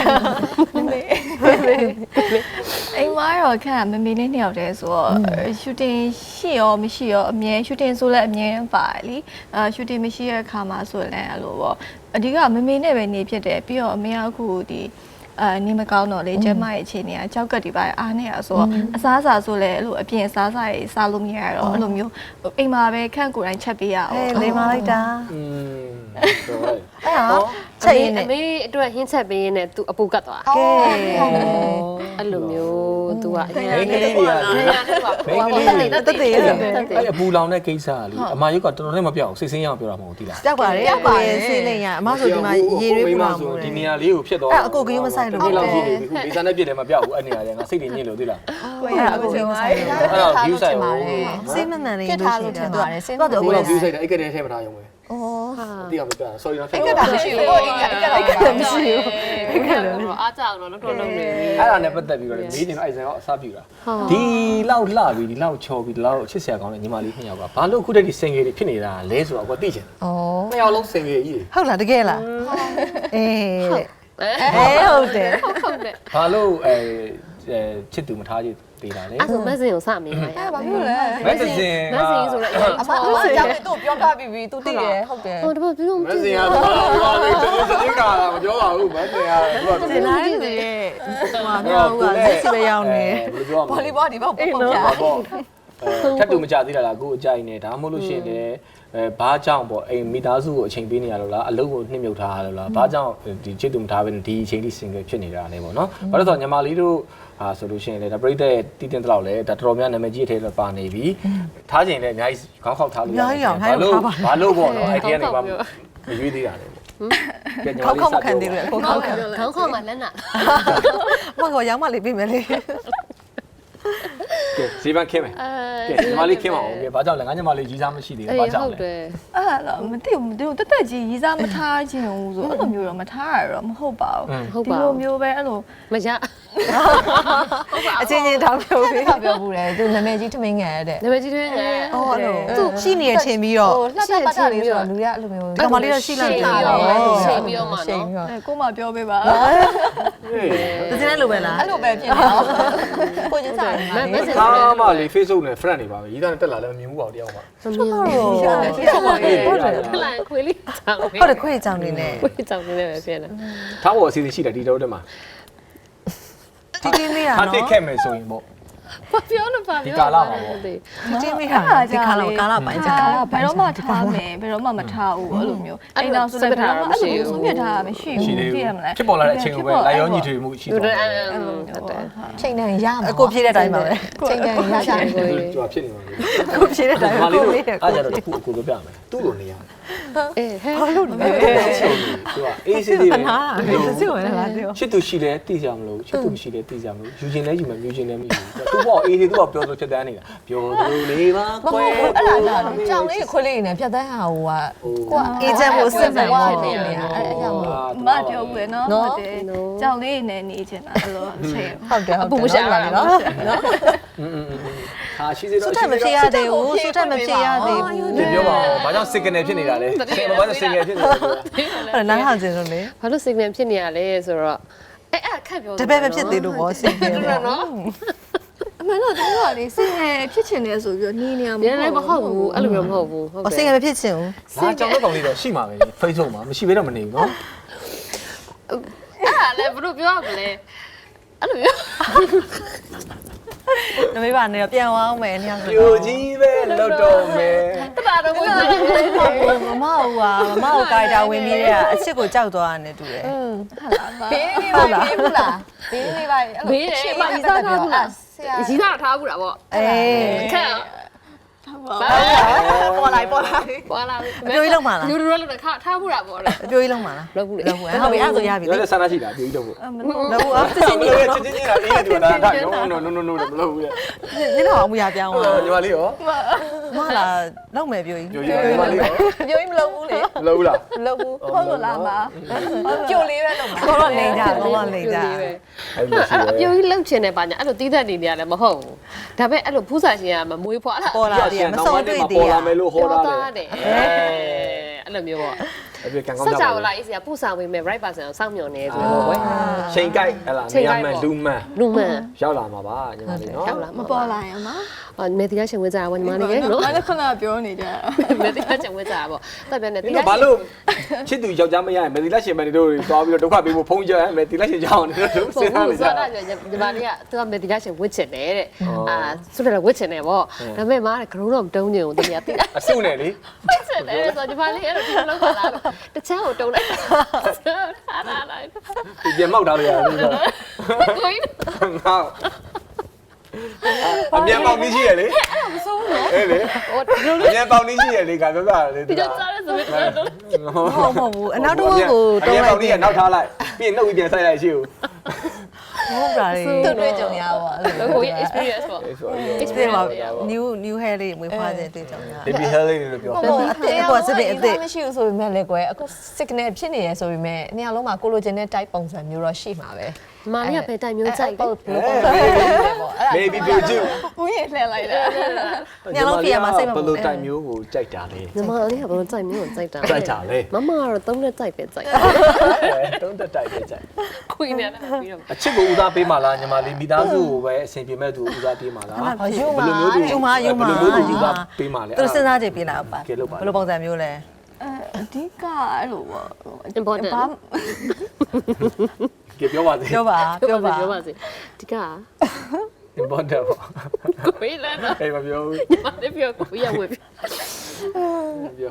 Speaker 4: အိမ်မှာတော့ခန့်မမေလေးနှစ်ယောက်တည်းဆိုတော့ shooting ရှိရောမရှိရောအမြဲ shooting ဆိုလည်းအမြဲပါတယ်လी shooting မရှိတဲ့အခါမှာဆိုလည်းအဲ့လိုပေါ့အဓိကမမေနဲ့ပဲနေဖြစ်တယ်ပြီးတော့အမေကအခုဒီနေမကောင်းတော့လေကျမရဲ့အခြေအနေကကြောက်ကတ်ဒီပါအားနေရဆိုတော့အစားအစာဆိုလဲအဲ့လိုအပြင်အစားအစာတွေစားလို့မရတော့အဲ့လိုမျိုးအိမ်မှာပဲခန့်ကိုယ်တိုင်ချက်ပေးရအောင်
Speaker 2: လေမလိုက်တာ
Speaker 1: ဆိုတော့
Speaker 2: အဲ့ဟာ
Speaker 3: ချက်ရင်းနဲ့အမေအတွက်ဟင်းချက်ပေးရင်းနဲ့သူအပူကတ်သွား
Speaker 2: ကဲ
Speaker 3: အဲ့လိုမျိုးသူကအရင်
Speaker 1: မိန်းကလေးတွေက
Speaker 2: တက်တည်ရတယ်
Speaker 1: အဲ့အပူလောင်တဲ့ကိစ္စကလေအမရုပ်ကတော်တော်လေးမပြောက်စိတ်ဆင်းရအောင်ပြောတာမဟုတ်ဘူးတိလား
Speaker 2: ကြောက်ပါတယ်ဆေးလိမ့်ရအမဆိုဒီမှာရေရွေးပူလာမှု
Speaker 1: ဒီနေရာလေးကိုဖြစ်တော့
Speaker 2: အဲ့အကိုကယူမဆိုင်လို့
Speaker 1: ဒီလောက်ကြီးနေပြီခုဒီစားနဲ့ပြည့်တယ်မပြောက်ဘူးအဲ့နေရာလေးငါစိတ်တွေညစ်လို့တိလား
Speaker 2: အဲ့အကိုကယူမဆိုင်လို့
Speaker 1: အဲ့တော့ view ဆိုင်ကို
Speaker 2: ဆေးမမှန်လေး
Speaker 5: ဖြစ်ထားလို့ထင်ပါတယ်စဉ်းစား
Speaker 1: အခု
Speaker 5: တော့
Speaker 1: တော့ view ဆိုင်တယ်အဲ့ကတည်းကထဲမှာထားရုံပဲ
Speaker 5: ဩ
Speaker 1: တိအောင်မပြော sorry နော်
Speaker 5: အဲ့ကတာမရှိဘူးအိမ်ကမရှိဘူး
Speaker 3: အားကြောင်တော့တော့လုံးနေ
Speaker 1: အဲ့ဒါနဲ့ပတ်သက်ပြီးတော့မေးနေတော့အဲ့ဆိုင်ကအစားပြူတာဒီလောက်လှပြီးဒီလောက်ချော်ပြီးဒီလောက်ချစ်စရာကောင်းတဲ့ညီမလေးနှစ်ယောက်ကဘာလို့အခုတည်းဒီ single တွေဖြစ်နေတာလဲဆိုတော့ကိုသိချင်တယ်
Speaker 5: ဩ
Speaker 1: နှစ်ယောက်လုံး single ကြီးတွေ
Speaker 2: ဟုတ်လားတကယ်လားအေးဟုတ်တယ်
Speaker 3: ဟုတ်တယ်
Speaker 1: ဘာလို့ချစ်သူမထားကြသေးတာလဲ
Speaker 3: အဲ့ဆိုမက်ဆင်ကိုစမေးပါရ
Speaker 5: အဲ့ဘာဖြစ်လဲ
Speaker 1: မက်ဆေ့ချ်
Speaker 3: မက်ဆင်ဆိုတော့
Speaker 5: အမအကြောင်းသူ့ပြောပြပြီးပြီသူသိတယ်ဟုတ်တယ်
Speaker 3: ဟိုတပတ်ပြီးတော့
Speaker 1: မက်ဆေ့ချ်ကဘာလို့ဒီကာမပြောပါဘူးမက်ဆေ့ချ်ကသူက
Speaker 2: ဒီလိုက်နေရဲ့ဟိုမြောက်ကလက်စီပဲရောက်နေ
Speaker 1: ဘယ်လိုပြောရမ
Speaker 5: ဘော
Speaker 1: လဲ
Speaker 5: လီဘောဒီဘောပုံပြ
Speaker 1: ပေါ့ထပ်တူမကြသေးတာလားကိုအကြိုက်နေဒါမှမဟုတ်လို့ရှိရင်လည်းဘာကြောင့်ပေါ့အိမ်မိသားစုကိုအချိန်ပေးနေရလို့လားအလုပ်ကိုနှိမ့်မြုပ်ထားရလို့လားဘာကြောင့်ဒီချစ်သူမထားဘဲဒီအချိန်ထိ single ဖြစ်နေတာလဲပေါ့နော်ဘာလို့ဆိုတော့ညီမလေးတို့ဆိုလို့ရှိရင်လည်းဒါပရိသတ်တည်တင်တော့လဲဒါတော်တော်များနာမည်ကြီးအထဲတော့ပါနေပြီထားချိန်လည်းအများကြီးခေါင်းခေါက်ထားလို့ဘာလို့ပေါ့နော်အဲ့ဒီကနေမှမရွေးသေးတာလေပေါ့
Speaker 2: ခေါက်မခံသေးဘူးကိုခေါက်ခံ
Speaker 3: ခေါင်းခေါင်းမှာလက်နာ
Speaker 2: မဟုတ်ရောင်းမလေးပြင်မယ်လေ
Speaker 1: ကဲဇီဗန်ခင်းမယ်ကဲညီမလေးခင်းပါဦးကဲဘာကြောင့်လဲငါညီမလေးကြီးစားမရှိသေးဘူးဘာကြောင့်လဲ
Speaker 3: တယ်
Speaker 4: အဲ့တော့မသိဘူးတက်တက်ကြီးရီးစားမထားခြင်းဘူးဆိုအဲ့လိုမျိုးတော့မထားရတော့မဟုတ်ပါဘူးဒီလိုမျိုးပဲအဲ့လို
Speaker 3: မရ
Speaker 2: အချင်းချင်းတောင်းပြောပြီး
Speaker 5: ပြောဘူးလေသူနာမည်ကြီးထမင်းငယ်တဲ့
Speaker 3: နာမည်ကြီးတွေနဲ့
Speaker 2: အော်အဲ့လိုသူရှိနေတဲ့အချိန်ပြီးတော့
Speaker 5: လှတပတ်တာလေးဆိုတော့လူရအဲ့လိုမျိုး
Speaker 2: ကမလေးတော့ရှိလိုက်ပြီ
Speaker 3: ရှိပြီးတော့မှနော်
Speaker 4: ကိုမပြောပေးပါ
Speaker 2: တစင်းလည်းလိုပဲလား
Speaker 5: အဲ့လိုပဲဖြစ်နေတော့ကိုကျင်းစားတယ်
Speaker 3: မက်ဆင်
Speaker 1: ကားမလေး Facebook နဲ့ friend တွေပါပဲရီးသားနဲ့တက်လာလည်းမမြင်ဘူးပေါ့တယောက်မှ
Speaker 3: မမြင်ဘူးထလိုက်ခွေးလေးကြောင်
Speaker 2: ဟုတ်တယ်ခွေးကြောင်နေနဲ့
Speaker 3: ခွေးကြောင်နေတယ်ပဲဖြစ်နေ
Speaker 1: ထားဖို့အစီအစဉ်ရှိတယ်ဒီတော့တက်မှာ
Speaker 2: တီးတင်းလေးတာ
Speaker 1: ထား
Speaker 2: နော်
Speaker 1: တစ်ခဲ့မယ်ဆိုရင်ပေါ့
Speaker 3: ဘာပြောနေပါလဲ
Speaker 2: တီးတင်းလေးတာဒီကာလကာလပိုင်းကြာ
Speaker 4: ဘယ်တော့မှထားမယ်ဘယ်တော့မှမထားဘူးအဲ့လိုမျိုးအိမ်တော်ဆိုလည်းဘယ်တော့မှအဲ့လိုဆုံးဖြတ်ထားတာမရှိဘူးသိရမလား
Speaker 1: ဖြစ်ပေါ်လာတဲ့အချိန်ကိုပဲလိုက်ရောညီထွေမှုရှိ
Speaker 3: ဟုတ်
Speaker 1: တော့
Speaker 3: တယ်
Speaker 5: ချိန်တန်ရမှာ
Speaker 2: အကိုဖြည့်တဲ့အတိုင်းပါပဲ
Speaker 5: ချိန်တန်ရကြတယ်
Speaker 1: သူကဖြစ်နေပါလေ
Speaker 2: ကိုဖြည့်တဲ့အတိုင်း
Speaker 1: မ
Speaker 2: ပါ
Speaker 1: လေး
Speaker 2: ကို
Speaker 1: တို့
Speaker 2: လေးတယ်
Speaker 1: အားကြတော့အခုကိုပြမယ်သူ့လိုနေရ
Speaker 3: အေးဟဲ့
Speaker 2: ဘာလို့လဲ
Speaker 1: သူကအေးစစ်စစ်ပဲ
Speaker 2: နားတယ်စစ်ဝင်လာတယ်
Speaker 1: ချစ်သူရှိတယ်သိကြမလို့ချစ်သူမရှိတယ်သိကြမလို့ယူခြင်းလဲယူမယ်မြူခြင်းလဲမယူဘူးသူပေါ့အေးစစ်သူကပြောဆိုချက်တန်းနေတာပြောသူလေးပါကွယ်
Speaker 5: အဲ့ဒါကြောင်လေးခွေးလေးနဲ့ဖြတ်သန်းဟာဟိုကကိုက
Speaker 2: အေဂျင့်ကိုစစ်မှန်ပါ
Speaker 5: နေနေအဲ့အကြောင်းလို့
Speaker 4: မပြောဘူးနော်ဟုတ်တယ်ကြောင်လေးနဲ့နေချင်တာအဲ့လိုအချိန်
Speaker 5: ဟုတ်တယ်ဟုတ်တယ်
Speaker 3: အပူမရှာပါနဲ့နော်
Speaker 1: ဟာရှိသေးတော့
Speaker 2: စွတ်ထမဖြည့်ရသေးဘူးစွတ်ထမဖြည့်ရသေးဘူး
Speaker 1: ဒီပြောပါဦးဘာကြောင့် signal ဖြစ်နေတာလဲဘာကြောင့် signal ဖြစ်နေတာလဲ
Speaker 2: အဲ့နားထောင်ခြင်းလို့လေ
Speaker 3: ဘာလို့ signal ဖြစ်နေရလဲဆိုတော့အဲ့ခက်ပြော
Speaker 2: တပည့်ပဲဖြစ်သေးလို့ပေါ့စင်တယ်
Speaker 3: နော်
Speaker 4: အမှန်တော့တို့ကလေစင်ငယ်ဖြစ်ချင်တယ်ဆိုပြီးတော့နီးနေရမှာ
Speaker 3: ပြန်လည်းမဟုတ်ဘူးအဲ့လိုမျိုးမဟုတ်ဘူးဟုတ်
Speaker 2: အစင်ကမဖြစ်ချင်ဘူး
Speaker 1: ငါကြောင်တော့ကောင်လေးတော့ရှိမှာပဲ Facebook မှာမရှိဘဲတော့မနေဘူးเนาะ
Speaker 3: အဲ့ဒါလည်းဘယ်လိုပြောရမလဲအဲ့လိုမျိုး
Speaker 2: နမေးပါနဲ့ပြန်အောင်မယ်ညောင်
Speaker 1: ပြိုကြီးပဲလောက်တော့မယ်
Speaker 3: တပါတော့ဝင်နေ
Speaker 2: မမဟုတ်ပါမမကိုကာရီတာဝင်ပြီးတဲ့အချစ်ကိုကြောက်သွားတယ်တူတယ်
Speaker 5: ဘေးလေးပါဘေးဘူးလားဘေးလေးပါ
Speaker 3: ဘေးတယ်မကြီးစားထားဘူးလား
Speaker 5: ဆရာ
Speaker 3: ကြီးစားထားဘူးလားဗော
Speaker 2: အေး
Speaker 3: ခက်
Speaker 4: ထား
Speaker 2: ပေါ်လိုက်ပေါ်လိုက်
Speaker 3: ပွာလာ
Speaker 2: အပြိုကြီးလုံးပါလား
Speaker 3: လူတို့လည်းထားမှုတာပေါ့လေ
Speaker 2: အပြိုကြီးလုံးပါလား
Speaker 3: လောက်ဘူးလေ
Speaker 2: ဟုတ်ပြီအဲ့ဆိုရပြီ
Speaker 1: ပြောတဲ့ဆန္ဒရှိတာပြေးတော့ဘူး
Speaker 2: လောက်ဘူးအစစ်စစ်
Speaker 1: မ
Speaker 2: နေ
Speaker 1: လို့ချင်းချင်းနေတာအေးတူတာဒါno မလို့ဘူးလေ
Speaker 2: ညတော့အမူရပြောင်းသွား
Speaker 1: ညီမလေးရော
Speaker 2: မလားလောက်မယ်ပြိုကြီး
Speaker 1: ပြောရညီမလေးရော
Speaker 5: ပြောရင်မလုပ်ဘူးလေ
Speaker 1: မလို့ဘူးလား
Speaker 5: မလုပ်ဘူး
Speaker 4: ဟုတ်လို့လားမ
Speaker 5: ကြိုလေးပဲလုပ်မှာ
Speaker 2: တော့လိန်ကြတော့လိန်ကြ
Speaker 1: အဲ့လိုရှိ
Speaker 3: အပြိုကြီးလှုပ်ချင်တယ်ပါညာအဲ့လိုတီးသက်နေနေရတယ်မဟုတ်ဘူးဒါပေမဲ့အဲ့လိုဖူးစာရှင်ကမမွေးဖွားတာ
Speaker 2: ပေါ်လာတယ်မစုံတွေ့သေး
Speaker 1: ပေါ်
Speaker 2: ရ
Speaker 1: လာမယ်လို့ဟောတာလေ
Speaker 3: တယ်အဲ့လိုမျိုးပေါ့
Speaker 1: အဲ့ဒီကံကောင်း
Speaker 3: ဆက်
Speaker 1: ကြ
Speaker 3: ကြ
Speaker 1: ပါ
Speaker 3: လာအေးစရာပူဆောင်ပေးမယ် right person ကိုစောင့်မျှော်နေဆိုတော့ကွယ်
Speaker 1: ချိန်ကြိုက်ဟဲ့လားနေရာမှန်လူမှန်
Speaker 3: လူမှန်
Speaker 1: ရောက်လာမှာပါညီမလေးနော်
Speaker 3: ရောက်လာ
Speaker 4: မပေါ်လာရင်မ
Speaker 3: မေတီကရှင်ဝဲကြတာဝညီမလေးရဲ့နော်
Speaker 4: ငါလည်းခဏပြောနေကြ
Speaker 3: မေတီကရှင်ဝဲကြတာပေါ့တက်ပြန်နေ
Speaker 1: ဒီတော့ဘာလို့ချစ်သူယောက်ျားမရရင်မယ်ဒီလက်ရှင်မယ်တို့သွားပြီးတော့ဒုက္ခပေးဖို့ဖုံးကြမယ်ဒီလက်ရှင်ကြောင်းနေလို့စဉ်းစားနေကြ
Speaker 3: ဆိုတော့ညီမလေးကသူကမေတီကရှင်ဝစ်ချင်တယ်တဲ့ဆိုတော့ဝစ်ချင်တယ်ပေါ့ဒါပေမဲ့မားကဂရုတော့မတုံးချင်ဘူးတကယ်သိတာ
Speaker 1: အဆုနဲ့လေ
Speaker 3: ဝစ်ချင်တယ်ဆိုညီမလေးအဲ့လိုဒီလိုလုပ်လာတချမ်းကိုတုံးလိုက်ထားတာလိုက်
Speaker 1: ဒီပြန်မောက်ထားလို့ရတယ်ဒီတော့
Speaker 3: ကိုင်း
Speaker 1: ငါအမြန်ပေါက်နည်းရှိရလေမဆုံးဘူးအေးလေ
Speaker 3: ဟိုဒီလို
Speaker 1: အမြန်ပေါက်နည်းရှိရလေခါပြောတာလေ
Speaker 3: ဒီလိုစားရဆိုပြီးတော့
Speaker 2: ဟုတ်မဟုတ်ဘူးအနောက်တော့ကို
Speaker 1: အ
Speaker 2: တုံး
Speaker 1: မြန်
Speaker 2: လို
Speaker 1: ပေါ
Speaker 2: က်
Speaker 1: က်နည်းကနောက်ထားလိုက်ပြီးရင်နှုတ်ပြီးပြန်ဆိုင်လိုက်ရှိဦး
Speaker 2: ဟုတ်ပါလေ
Speaker 5: သူ့တွေ့ကြုံရပါအဲ့လို
Speaker 3: ကို experience ပေါ့
Speaker 2: experience ပါ new hair လေးမွေးဖွားတဲ့တွေ့ကြုံရ
Speaker 1: baby hair လေးလို့ပြော
Speaker 5: ဟုတ်အသေးပေါ့စပင်းအသေးမရှိဘူးဆိုပေမဲ့လည်းကွယ်အခု signal ဖြစ်နေရဆိုပေမဲ့နေရာလုံးမှာ collagen နဲ့ type ပုံစံမျိုးတော့ရှိမှာပဲ
Speaker 3: မာလေးကပဲတိုင်မျိုးကြိုက်တယ်
Speaker 5: ဘယ်လိုပုံစံမျိုးလဲပေါ့အဲ့ဒါ
Speaker 1: maybe beauty
Speaker 4: ဦးရေလှည့်လိုက်တာ
Speaker 2: ညလုံးပြရမှာစိတ်မ
Speaker 1: ဘ
Speaker 2: ပူ
Speaker 1: ယ်လိုတိုင်မျိုးကိုကြိုက်တာလဲ
Speaker 3: ညီမလေးကဘယ်လိုကြိုက်မျိုးကိုကြိုက်တာ
Speaker 1: ကြိုက်တာလေ
Speaker 3: မမကတော့သုံးနဲ့ကြိုက်ပဲကြိုက်
Speaker 1: တုံးတက်တိုက်ပဲကြိုက်
Speaker 3: ခွေးနေတာပြီးတော့
Speaker 1: အချစ်ကိုဦးစားပေးမှာလားညီမလေးမိသားစုကိုပဲအဆင်ပြေမဲ့သူဦးစားပေးမှာလားဘယ်လိုမျိုးသူ
Speaker 2: ယူမယူမ
Speaker 1: ဘယ်လိုမျိုးသူဦးစားပေးမှာလဲ
Speaker 2: သူစဉ်းစားကြည့်ပြလားပါ
Speaker 1: ကဲလို့ပါ
Speaker 2: ဘယ်လိုပုံစံမျိုးလဲ
Speaker 4: အဓိကအဲ့လိုပေါ့
Speaker 3: important
Speaker 1: ကဲပြောပါစေ
Speaker 2: ပြောပါ
Speaker 3: ပြောပါစေဒီက
Speaker 1: important ပေါ့
Speaker 3: ခွေးလာတော့
Speaker 1: အေးမပြောဘူး
Speaker 3: ညီမလေးပြောခွေးရဝယ်ပြီ
Speaker 1: ပြော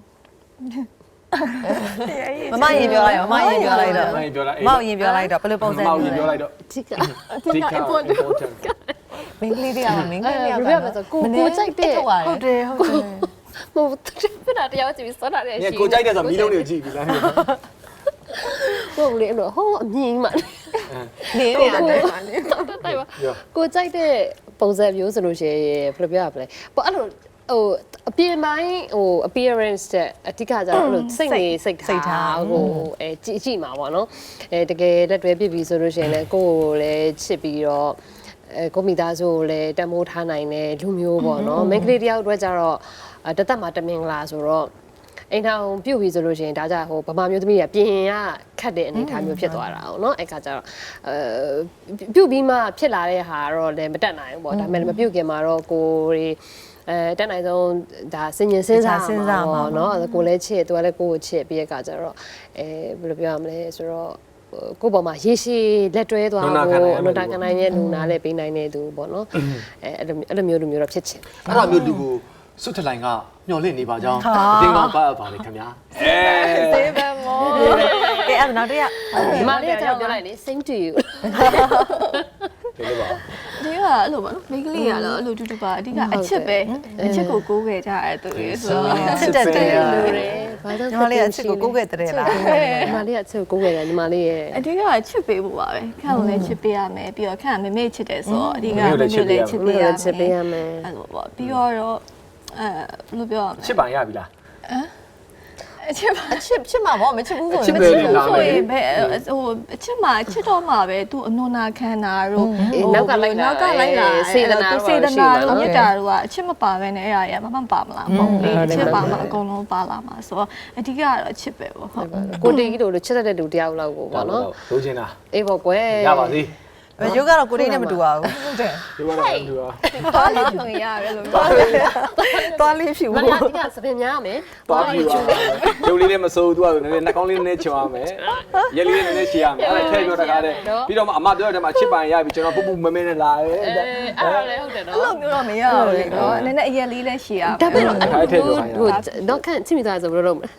Speaker 2: မမရင်ပြောလိုက်တော့မမရင်ပြောလိုက်တော့
Speaker 1: မင်းပြောလိုက်
Speaker 2: မမရင်ပြောလိုက်တော့ဘယ်လိုပုံစံ
Speaker 1: မောင်
Speaker 2: မျိုး
Speaker 1: ရင်
Speaker 2: လဲ
Speaker 1: ပြောလိုက်တော့
Speaker 3: ဒီက
Speaker 1: ဒီက important
Speaker 5: မင်းကလေးတွေကမင်းကလေးတွေက
Speaker 3: ဘယ်လိုလဲဆိုကိုကြိုက်တဲ့
Speaker 2: ဟုတ်တယ်ဟုတ်တယ်
Speaker 3: မဟုတ်ပြတာတရားကြည့်ပြီးစောတာလည်း
Speaker 1: ည
Speaker 3: ရှိ
Speaker 1: ကိုကြိုက်တဲ့ဆိုမီးလုံးတွေကိုကြည့်ပြီးလား
Speaker 3: ဟုတ်လေအဲ့လိုဟောအမြင်မှ
Speaker 5: နေနေတာ
Speaker 3: တိုင်ပါကိုကြိုက်တဲ့ပုံစံမျိုးဆိုလို့ရှိရင်ဘယ်လိုပြောရမလဲပေါ့အဲ့လိုဟိုအပြင်ပိုင်းဟို appearance တဲ့အဓိကကျတော့အဲ့လိုစိတ်နေစိတ်ထားဟိုကြည့်မှာပေါ့နော်တကယ်လက်တွဲပြပြီဆိုလို့ရှိရင်လည်းကိုယ်ကိုလည်းချစ်ပြီးတော့ကိုမိသားစုကိုလည်းတမိုးထားနိုင်တဲ့လူမျိုးပေါ့နော်မိန်းကလေးတယောက်အတွက်ကျတော့တသက်မှာတမင်္ဂလာဆိုတော့အိမ်ထောင်ပြုတ်ပြီဆိုလို့ရှိရင်ဒါကြဟိုဗမာမျိုးသမီးကပြင်ရခတ်တဲ့အနေအထားမျိုးဖြစ်သွားတာ哦เนาะအဲ့ခါကျတော့ပြုတ်ပြီးမှဖြစ်လာတဲ့ဟာတော့လည်းမတက်နိုင်ဘူးပေါ့ဒါပေမဲ့မပြုတ်ခင်မှာတော့ကိုရီတက်နိုင်ဆုံးဒါစင်ញင်စဉ်းစားမှာเนาะကိုလည်းချစ်သူကလည်းကိုကိုချစ်ပြီးတဲ့ခါကျတော့ဘယ်လိုပြောရမလဲဆိုတော့ကိုပေါ်မှာရေရှည်လက်တွဲသွားဖို့အနုတာကနိုင်ရဲ့လူနာလည်းပေးနိုင်တဲ့သူပေါ့နော်အဲ့လိုမျိုးတော့ဖြစ်ချင်
Speaker 1: အဲ့ဒါမျိုးလူကိုစွတ်ထလိုင်ကမျော်လင့်နေပါကြောင်းအတင်းကောင်းပါပါလေခင်ဗျာ
Speaker 4: သေးပဲမော
Speaker 2: ကဲအဲ့နောက်တစ်ရက်
Speaker 3: ဒီမလေးကကျွန်တော်ပြောလိုက်လေ sing to you
Speaker 1: ဒီလိုပါ
Speaker 4: ဒီကအဲ့လိုပေါ့နော်မိန်းကလေးကတော့အဲ့လိုတူတူပါအဓိကအချစ်ပဲအချစ်ကိုကိုးခဲ့ကြရတဲ့သူတွေဆိုတော့
Speaker 2: ချစ်တဲ့တယ်
Speaker 3: လူတွေဘာသာ
Speaker 2: ညီမလေးကချစ်ကိုကိုခဲ့တဲ့လား
Speaker 3: ညီမလေးကချစ်ကိုကိုယ်ရညီမလေးရဲ့
Speaker 4: အဓိကချစ်ပေးဖို့ပါပဲခန့်ကိုလည်းချစ်ပေးရမယ်ပြီးတော့ခန့်ကမမေ့ချစ်တယ်ဆိုတော့အဓိကမမေ့လည်းချစ်ပေးရမယ်
Speaker 3: ချစ်ပေးရမယ်
Speaker 4: အဲ့လိုပေါ့ပြီးတော့ဘယ်လိုပြောရမလဲ
Speaker 1: ချစ်ပါရပြီလား
Speaker 4: အချစ်ပါ
Speaker 5: ချစ်မှာပေါ့မချစ်ဘူးဆိုရင်
Speaker 1: ချစ်ပဲလေလား
Speaker 4: ဆိုရင်ဘယ်ဟိုအချစ်မှာချစ်တော့မှာပဲသူအနုနာခံတာတို့
Speaker 3: နောက်ကလိုက်လာ
Speaker 4: စေတနာတို့မြတ်တာတို့ကအချစ်မပါပဲနဲ့အဲ့ဒါရမမပါမလားမဟုတ်ဘူးအချစ်ပါမှာအကုန်လုံးပါလာမှာဆိုတော့အဓိကကတော့အချစ်ပဲပေါ့ဟုတ်
Speaker 3: ကိုတေကြီးတို့လိုချစ်တတ်တဲ့လူတယောက်လောက်ကိုပေါ့နော်
Speaker 1: လိုချင်တာ
Speaker 3: အေးပေါ့ကွယ်
Speaker 1: ရပါသေး
Speaker 2: ရုပ်ကတော့ကိုတိတ်နဲ့မတူပါဘူးဟုတ်တယ်
Speaker 1: ဒီကတော့လူရော
Speaker 4: ပါလေးဖြုံရတယ်လို့
Speaker 2: သွားလေးဖြူ
Speaker 3: မလားဒီကစပင်များမယ်
Speaker 1: ပါပြီပါရုပ်လေးနဲ့မစိုးသူကနည်းနည်းနှာခေါင်းလေးနည်းနည်းချွာမယ်ရက်လေးနည်းနည်းရှည်ရမယ်အဲ့ဒါထည့်ပြောတကားတဲ့ပြီးတော့မှအမပြောတဲ့မှာချစ်ပိုင်ရပြီကျွန်တော်ပူပူမမဲနဲ့လာတယ်
Speaker 3: အဲ့ဒါလည်းဟုတ်တယ်နော်
Speaker 4: အဲ့လိုမျိုးတော့မရဘူးလေနော်နည်းနည်းအရက်လေးလည်းရှည်ရ
Speaker 3: ဒါပေမဲ့တော့ဟိုတော့ခန့်ချစ်မိသားဆိုဘယ်လိုလုပ်မလဲ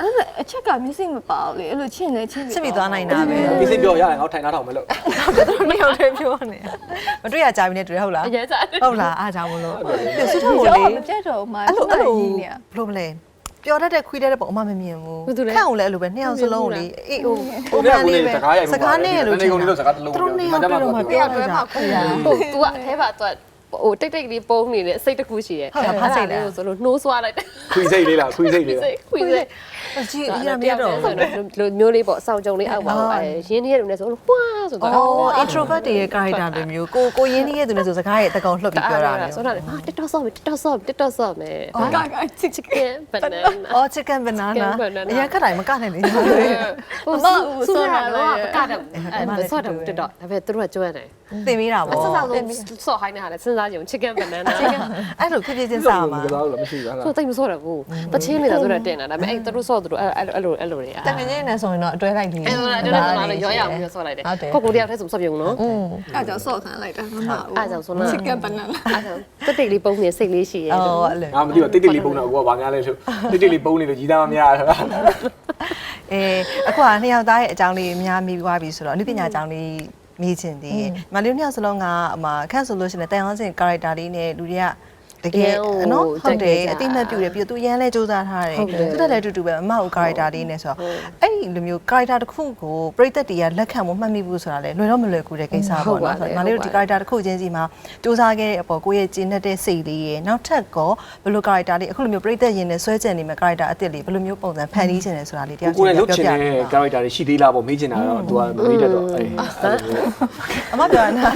Speaker 4: အချက်ကမျက်စိမပါဘူးလေအဲ့လိုချင်းနေချင်း
Speaker 2: စစ်ပြီးသွားနိုင်တာပဲ
Speaker 1: ဒီစိတ်ပြောရတယ်ငါထိုင်ထားထောင်မယ်လို့
Speaker 2: မရောက်တယ်ပြောနေမတွေ့ရကြပြီနဲ့တွေ့ဟုတ်လား
Speaker 3: အရင်စား
Speaker 2: ဟုတ်လားအားကြောင့်မလို့ပြဆွတ်ထုတ်
Speaker 4: ဘူး
Speaker 2: ကိုလေ
Speaker 4: မပြတ်တော့မှ
Speaker 2: အဲ့လို
Speaker 4: ဘ
Speaker 2: ဘ
Speaker 4: ယ်
Speaker 2: ယ်
Speaker 4: လို
Speaker 2: လို
Speaker 4: ကြီးနေ
Speaker 2: ဘလို့မလဲပျော်တတ်တဲ့ခွေးတတ်တဲ့ပုံအမမမြင်ဘူးခန့်အောင်လည်းအဲ့လိုပဲနှစ်ယောက်စလုံးလေအေးဟို
Speaker 1: ကိုယ်ကကိုယ်စကားရိုက်
Speaker 2: စကားနဲ့လို့
Speaker 1: နေကုန်လေးတော့စကားတစ်လုံး
Speaker 2: သူတို့နှစ်ယောက်ပြောမှပြောရတာ
Speaker 3: ဟို तू ကအထဲမှာ तू ဟိုတိတ်တိတ်လေးပုံနေတယ်စိတ်တစ်ခုရှိတယ်ဆိုလို့နှိုးဆွားလိုက်တယ်
Speaker 1: ခွေစိတ်လေးလားခွေစိတ်လေးလား
Speaker 3: ခွေးစိတ်
Speaker 2: ကြည့်ရမရတော့
Speaker 3: လိုမျိုးလေးပေါ့အဆောင်ကြုံလေးအောက်ပါရင်းနှီးရတဲ့လူနဲ့ဆိုလို့ပွားဆိုတော့
Speaker 2: အော် introvert တွေရဲ့ character လိုမျိုးကိုရင်းနှီးရဲ့သူနဲ့ဆိုစကားရဲ့တကောင်လှုပ်ပြီးပြောတာလေ
Speaker 3: ဆိုတော့ဟာ TikTok ဆော့မယ် TikTok ဆော့မယ် TikTok ဆော့မယ်ဘာက chicken banana
Speaker 2: အော် chicken banana အရင်ခက်တိုင်းမကနိုင်ဘူး
Speaker 3: ဟိုဆူရာတော့ကတော့အဲဆော့တယ် TikTok ဒါပေမဲ့သူတို့ကကျွမ်းတယ်
Speaker 2: သင်ပေးတာပေါ့
Speaker 3: ဆော့ဆော့ဟိုင်းနေတာလေစဉ်းစားကြည့် chicken banana
Speaker 2: အဲ့လိုဖြစ်ဖြစ်ချင်းစားမှာ
Speaker 1: ကစားလို့မရှိဘူးလား
Speaker 3: ဆိုတိတ်မဆော့တော့ဘူးတချင်းနေတာဆိုတော့တင်တာဒါပေမဲ့အဲသူတို့ဆော့သူတို့အဲ့လိုတွေ
Speaker 5: တကယ်ကြီးနေဆိုရင်တော့အတွဲလိုက်ပြီ
Speaker 3: အဲ့ဒါတော့ရောရအောင်ပြောဆော့လိုက်တယ်ကိုတယောက်တည်းဆိုဆော့ပြုံနော်
Speaker 4: အဲ့ကြောင့်ဆော့ခံလိုက်တာမမ
Speaker 3: အဲ့ကြောင့်ဆိုတော့
Speaker 4: chicken banana
Speaker 3: အဲ့ကြောင့်တိတ်တိတ်လေးပုံနေစိတ်လေးရှိရဲ့
Speaker 2: အော်အဲ့လို
Speaker 1: ငါမသိဘူးတိတ်တိတ်လေးပုံတော့ကိုကဘာများလဲလို့တိတ်တိတ်လေးပုံနေလို့ကြီးသားမများတာ
Speaker 2: အခုကနှစ်ယောက်သားရဲ့အကြောင်းလေးများမိသွားပြီဆိုတော့အနုပညာအကြောင်းလေးမြည်ချင်သေးတယ်။မလေးနှစ်ယောက်စလုံးကခန့်ဆိုလို့ရှိရင်တန်အောင်စင် character လေးနဲ့လူတွေကတကယ်နော်ဟုတ်တယ်အတိမတ်ပြူတယ်ပြီးတော့သူရန်လဲစူးစမ်းထားတယ်သူတက်လည်းတူတူပဲအမဟုတ် character လေးနဲ့ဆိုတော့အဲ့ဒီလိုမျိုး character တစ်ခုကိုပြိသက်တွေကလက်ခံမှုမှတ်မိဘူးဆိုတာလေလွယ်တော့မလွယ်ကူတဲ့ကိစ္စပေါ့နော်ဆိုတော့မလေးတို့ဒီ character တစ်ခုချင်းစီမှာစူးစမ်းခဲ့တဲ့အပေါ်ကိုယ့်ရဲ့ကျင့်တတ်တဲ့စိတ်လေးရဲ့နောက်ထပ်ကောဘယ်လို character လေးအခုလိုမျိုးပြိသက်ရင်နဲ့ဆွဲကျင်နေမဲ့ character အစ်စ်လေးဘယ်လိုမျိုးပုံစံဖန်တီးချင်တယ်ဆိုတာလေးတယောက်
Speaker 1: ကိုယ်နဲ့
Speaker 2: ချင်း
Speaker 1: လုတ်ချင်တဲ့ character တွေရှိသေးလားပေါ့မေးချင်တာတော့ तू ကမမေးတတ်တော့အေး
Speaker 2: အမပြောနေတာ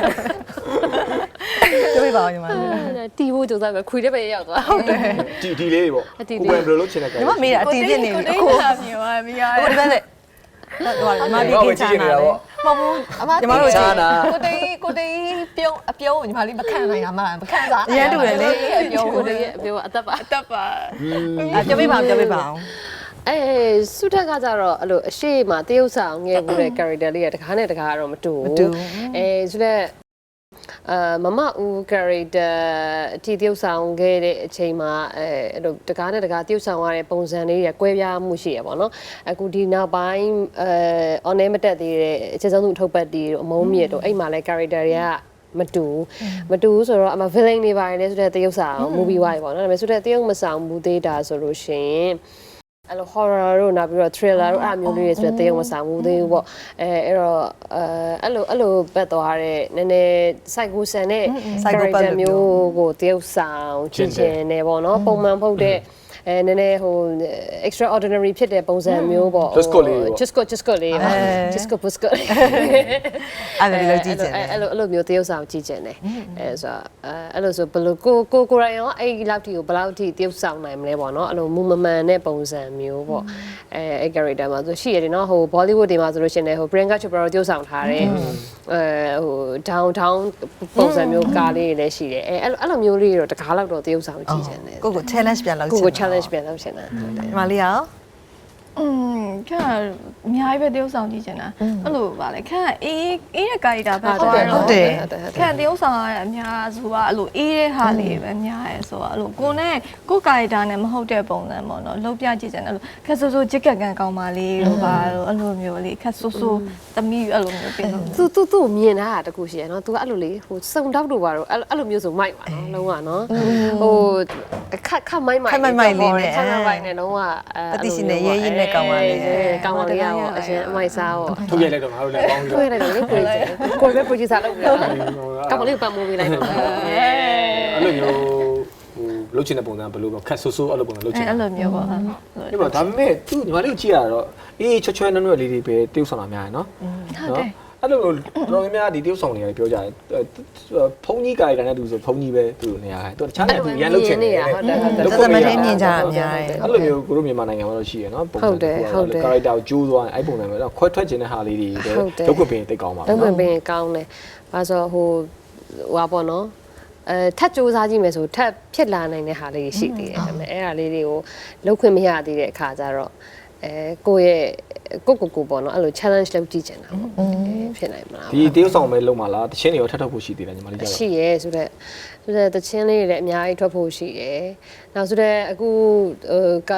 Speaker 2: တွေးပါဦးညီမ
Speaker 3: တီဖို့ကြိုးစားပဲခွေတဲ့ပဲရောက်သွားဟုတ်တယ်
Speaker 1: ဒီလေးပေါ့ကိုယ်ဘယ်လိုလုတ်ချင်တဲ့
Speaker 2: ညီမမေးတာအတီးပြစ်နေပြီ
Speaker 4: အခုလာမြင်ပါမရ
Speaker 2: ဟိုဒီဘက်လက်ဟိုညီမဒီကိချာနာလေ
Speaker 5: မဟုတ်ဘူးအမညီမတို့ချာနာကိုတေးပြုံးအပြုံးညီမလေးမခံနိုင်တာမလားမခံစား
Speaker 2: အရင်တူတယ်လေ
Speaker 5: အပြုံး
Speaker 3: ကို
Speaker 5: ကို
Speaker 3: တ
Speaker 5: တေး
Speaker 3: ည်းအပြောအသက်ပါ
Speaker 4: တက်ပါ
Speaker 2: ပြောပြပါအောင်
Speaker 3: အဲစုထက်ကကြတော့အဲ့လိုအရှိမတရုပ်ဆောင်ငယ်ဘူးတဲ့ character လေးကတကားနဲ့တကားကတော့မတူဘူးအဲဆိုတော့မမဦး character အတီးတရုပ်ဆောင်ခဲ့တဲ့အချိန်မှာအဲ့လိုတကားနဲ့တကားတရုပ်ဆောင်ရတဲ့ပုံစံလေးတွေကွဲပြားမှုရှိရပါတော့အခုဒီနောက်ပိုင်းon air မတက်သေးတဲ့အခြေဆုံးသူအထုပ်ပတ်တီတို့အမုန်းမြစ်တို့အဲ့မှာလဲ character တွေကမတူဆိုတော့အမ villain တွေပါတယ်လဲဆိုတဲ့တရုပ်ဆောင် movie wise ပေါ့နော်ဒါပေမဲ့ဆိုတဲ့တရုပ်မဆောင်ဘူးသေးတာဆိုလို့ရှိရင်အဲ့လို horror တို့နောက်ပြီးတော့ thriller တို့အဲ့မျိုးလေးတွေဆိုတဲ့တရုပ်မဆောင်ဘူးသေးဘူးပေါ့အဲ့တော့အဲ့လိုပတ်သွားတဲ့နည်းနည်း psycho ဆန်တဲ့ character မျိုးကိုတရုပ်ဆောင်ကြည့်ချင်နေပေါ့နော်ပုံမှန်ဖုတ်တဲ့နည်းနည်းဟို extraordinary ဖြစ်တဲ့ပုံစံမျိုးပေါ့ just go လေး just go လေး
Speaker 2: အဲ့လိုကြည့်ချင်တယ်
Speaker 3: အဲ့လိုမျိုးတရုပ်ဆောင်ကြည့်ချင်တယ်အဲ့ဆိုအဲ့လိုဆိုဘယ်လိုကိုရိုင်းရောအဲ့ဒီလောက်ထိကိုဘယ်လောက်ထိတရုပ်ဆောင်နိုင်မလဲပေါ့နော်အဲ့လိုမူမမှန်တဲ့ပုံစံမျိုးပေါ့အဲ့ character မှာဆိုရှိရတယ်နော်ဟို Bollywood တွေမှာဆိုလို့ရှိရင်ဟို Priyanka Chopra တရုပ်ဆောင်ထားတယ်ဟို downtown ပုံစံမျိုးကားလေးတွေလည်းရှိတယ်အဲ့လိုမျိုးလေးတွေတော့တကားလောက်တော့တရုပ်ဆောင်ကြည့်ချင်တယ်
Speaker 2: ကိုကို challenge ပြန်လုပ်ချင်
Speaker 3: ကို challenge ပြန်လုပ်ချင်တာ
Speaker 2: ညီမလေးရော
Speaker 4: ခန့်အများကြီးပဲတရုပ်ဆောင်ကြည့်ချင်တာအဲ့လိုပါလေခန့်အေးတဲ့ကာရီတာပဲသွားတော့ခန့်တရုပ်ဆောင်ရအများစုကအဲ့လိုအေးတဲ့ဟာလေးပဲများရဲဆိုတော့အဲ့လိုကိုကာရီတာနဲ့မဟုတ်တဲ့ပုံစံပေါ့နော်လှုပ်ပြကြည့်ချင်တယ်အဲ့လိုခက်ဆိုးဂျစ်ကက်ကန်ကောင်းပါလေးတို့ပါအဲ့လိုမျိုးလေးခက်ဆိုးသမီးအဲ့လိုမျိုးပြင်လို့
Speaker 3: သူ့မြင်တာတခုရှိရနော် तू အဲ့လိုလေဟိုစုံတောက်တို့ပါတော့အဲ့လိုမျိုးဆိုမိုက်ပါနော်လုံးဝနော်ဟိုခက်မိုက်လေးနဲ့ခက်မိုက်နဲ့လုံးဝ
Speaker 2: ပတိရှင်နဲ့ရဲရဲနဲ့ကောင်းပါလေ
Speaker 3: ကောင်းပါလေရောအရင်အမိုက်စားရော
Speaker 1: ထုတ်ရိုက်လိုက်တော့ငါတို့လည်းပေါင်းပြီး
Speaker 3: တွေ့လိုက်တော့လေကိုပဲ producer လုပ်ပြီးတော့ကောင်းပါလေပတ်မိုးပေးလိုက်တော့
Speaker 1: အဲ့လိုမျိုးဟိုလုတ်ချင်တဲ့ပုံစံဘယ်လိုပေါ့ခက်ဆူဆူအဲ့လိုပုံစံလုတ်ချင်
Speaker 4: အဲ့လိုမျိုးပေါ့
Speaker 1: ဒီမှာဒါပေမဲ့သူညီမလေးကိုကြည့်ရတော့အေးချွဲနွဲ့လေးတွေပဲတရုပ်ဆောင်တာများရယ်နော်ဟုတ်တယ်အဲ့လိုတော်များများဒီတရုပ်ဆောင်တွေကပြောကြတယ်ဖုန်းကြီးကာရီတာနဲ့သူဆိုဖုန်းကြီးပဲသူနေရာတယ်သူတခြားနေသူရန်လုတ်ချင်နေတယ်
Speaker 2: သက်သမထဲမြင်ကြတာများတယ်
Speaker 1: အဲ့လိုမျိုးကိုတို့မြန်မာနိုင်ငံမှာတော့ရှိရယ်နော်ပုံစံကာရီတာကိုကျိုးသွားအဲ့ပုံစံပဲတော့ခွဲထွက်ခြင်းတဲ့ဟာလေးတွေပဲဒုက္ခပင်တိတ်ကောင်းပါ
Speaker 3: တော့ပင်ကောင်းတယ်ဘာဆိုဟိုဟာပေါ့နော်ထပ်စူးစမ်းကြည့်မယ်ဆိုထပ်ဖြစ်လာနိုင်တဲ့ဟာလေးရှိသေးတယ်ဒါပေမဲ့အဲ့ဟာလေးတွေကိုလောက်ခွင့်မရသေးတဲ့အခါကျတော့ကိုယ့်ရဲ့ကိုပေါ့နော်အဲ့လို challenge လုပ်ကြည့်ချင်တာပေါ့ဖြစ်နိုင်မလား
Speaker 1: ဒီတရုပ်ဆောင်ပဲလုံးပါလားတချင်းတွေရောထပ်ထုတ်ဖို့ရှိသေးတယ်ညီမလေးကြတော့
Speaker 3: ရှိရဲဆိုတော့တချင်းလေးတွေလည်းအများကြီးထွက်ဖို့ရှိတယ်နောက်ဆိုတော့အခု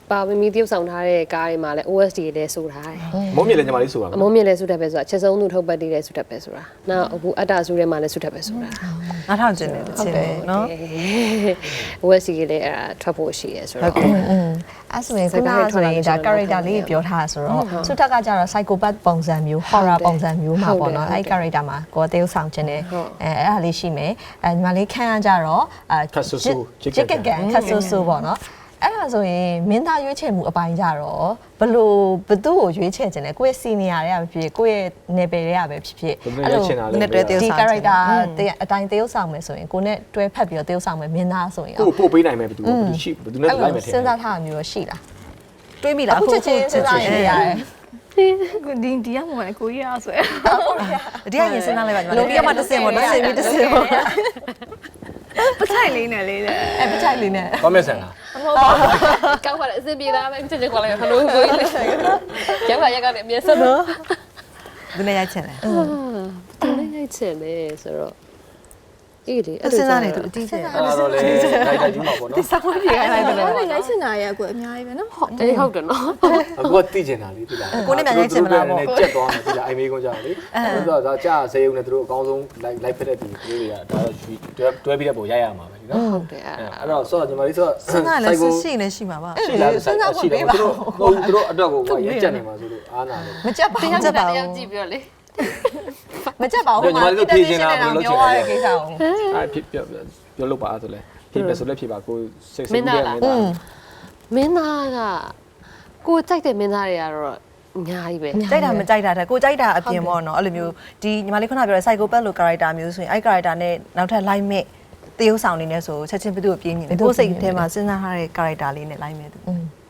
Speaker 3: ပါမီတရုပ်ဆောင်ထားတဲ့ကားတွေမှာလည်း OST တွေလည်းဆိုထားတယ်
Speaker 1: မုံမြင့်လည်းညီမလေးဆိုတာ
Speaker 3: အမုံမြင့်လည်းဆုတက်ပဲဆိုတာချက်ဆုံးသူထုတ်ပတ်တည်လည်းဆုတက်ပဲဆိုတာနောက်အခုအတ္တဆုထဲမှာလည်းဆုတက်ပဲဆိုတာ
Speaker 2: နားထောင်ကျင်တယ်တချင်တယ်နော်
Speaker 3: OST ကလည်းအဲ့ဒါထွက်ဖို့ရှိရဲဆိုတော့
Speaker 5: အဲ့ဆိုရင်ခုနကဆိုရင်ဒါ character လေးပြောထားဆိုတော့စုထက်ကကြတော့ psychopath ပုံစံမျိုး horror ပုံစံမျိုးမှာပေါ့နော်အဲ့ character မှာကိုယ်တရုပ်ဆောင်ခြင်းနဲ့အဲ့ဒါလေးရှိမယ်ညီမလေးခန့်ရကြတော့ချစ်ကကန်ခတ်ဆူဆူပေါ့နော်အဲ့ဒါဆိုရင်မင်းသားရွေးချယ်မှုအပိုင်းကြတော့ဘသူ့ကိုရွေးချယ်ခြင်းလဲကိုယ့်ရဲ့ senior တွေကပဲဖြစ်ဖြစ်ကိုယ့်ရဲ့ level တွေကပဲဖြစ်ဖြစ်
Speaker 2: အဲ့လိုဒီ
Speaker 5: character အတိုင်းတရုပ်ဆောင်မယ်ဆိုရင်ကိုနဲ့တွဲဖက်ပြီးတော့တရုပ်ဆောင်မယ်မင်းသားဆိုရင်
Speaker 1: ကိုပို့ပေးနိုင်မယ်ဘယ်သူရှိဘယ်သူနဲ့လိုက်မယ်ထင်
Speaker 5: စဉ်းစားထားတာမျိုးရှိလား
Speaker 2: တွေးမိလား
Speaker 5: အခုချက်ချင်းစဉ်းစားနေရတယ်
Speaker 4: ဒီကမှလည်းကိုကြီးရဆွဲ
Speaker 2: ဒီကရင်စဉ်းစားလိုက်ပါညီမလေးဒီကမှတစ်စင်ပေါ့တစ်စင်ပြီးတစ်စင်ပေါ့
Speaker 4: ပထိုင်လေးနဲ့လေးတဲ့
Speaker 5: အဲ့ပချိုက်လေးနဲ့
Speaker 1: ကောမက်ဆန်လား
Speaker 3: ကောက်ပါလေအစင်ပြေသားပဲချက်ချင်းခေါ်လိုက်ဟလိုကိုကြီးရောက်ပါရက်ကနေအမြဲဆက်တော့
Speaker 2: ဒီနေ့ရိုက်ချင်တယ်
Speaker 3: သူလည်းရိုက်ချင်တယ်ဆိုတော့အေးလေ
Speaker 2: စဉ်းစားနေသူအတီးချင်
Speaker 1: အဲ့တော့လေလိုက်တိုက်ကြီးမှာပေါ့နော်
Speaker 2: ဆောင်းပြေခိုင်းလိုက်တယ်
Speaker 4: အဲ့ဒါရိုက်ချင်တာရဲ့ကိုအများကြီးပဲနော်ဟုတ်
Speaker 3: အေးဟုတ်တယ်နော်
Speaker 1: အခုကသိကျင်တာလေသိလားကြက်သွားမယ်သိလားအိမ်မေးကုန်ကြတယ်လေဆိုတော့ဒါကြာစေယုံနဲ့သူတို့အကောင်းဆုံးလိုက်ဖက်တဲ့သူတွေကဒါတော့တွဲပြီးတဲ့ပုံရိုက်ရမှာပဲနော်
Speaker 3: ဟုတ်တယ်
Speaker 1: အဲ့တော့ဆိုတော့ညီမလေးဆိုတော့
Speaker 2: စဉ်းစားလဲရှိနေရှိမှာပါ
Speaker 1: ရှိလားရှိတယ်သူတို့အတွက်ကိုရက်ကြက်နေမှာဆိုလို့အားနာလို့
Speaker 5: မကြက်ပါဘူး
Speaker 3: တရားတရားကြည့်ပြီးတော့လေ
Speaker 5: မကြက်ပါဘူးပြောရတဲ့ကိစ္စကို
Speaker 1: အဲ့ဖြစ်ပြောလို့ပါဆိုလဲဖြစ်ပဲဆိုလဲဖြစ်ပါကိုစိတ်ဆူတယ်မင်းသား
Speaker 3: မင်းသားကကိုကြိုက်တဲ့မင်းသားတွေကတော့အများကြီးပဲ
Speaker 2: ကြိုက်တာမကြိုက်တာတဲ့ကိုကြိုက်တာအပြင်ပေါ့နော်အဲ့လိုမျိုးဒီညီမလေးခုနပြောတဲ့ psychopath လို့ character မျိုးဆိုရင်အဲ့ character နဲ့နောက်ထပ် line မဲ့တရုပ်ဆောင်နေနေဆိုချက်ချင်းဘယ်သူ့ကိုပြင်းနေလဲကိုစိတ်ထဲမှာစဉ်းစားထားတဲ့ character လေးနဲ့ line မဲ့သူ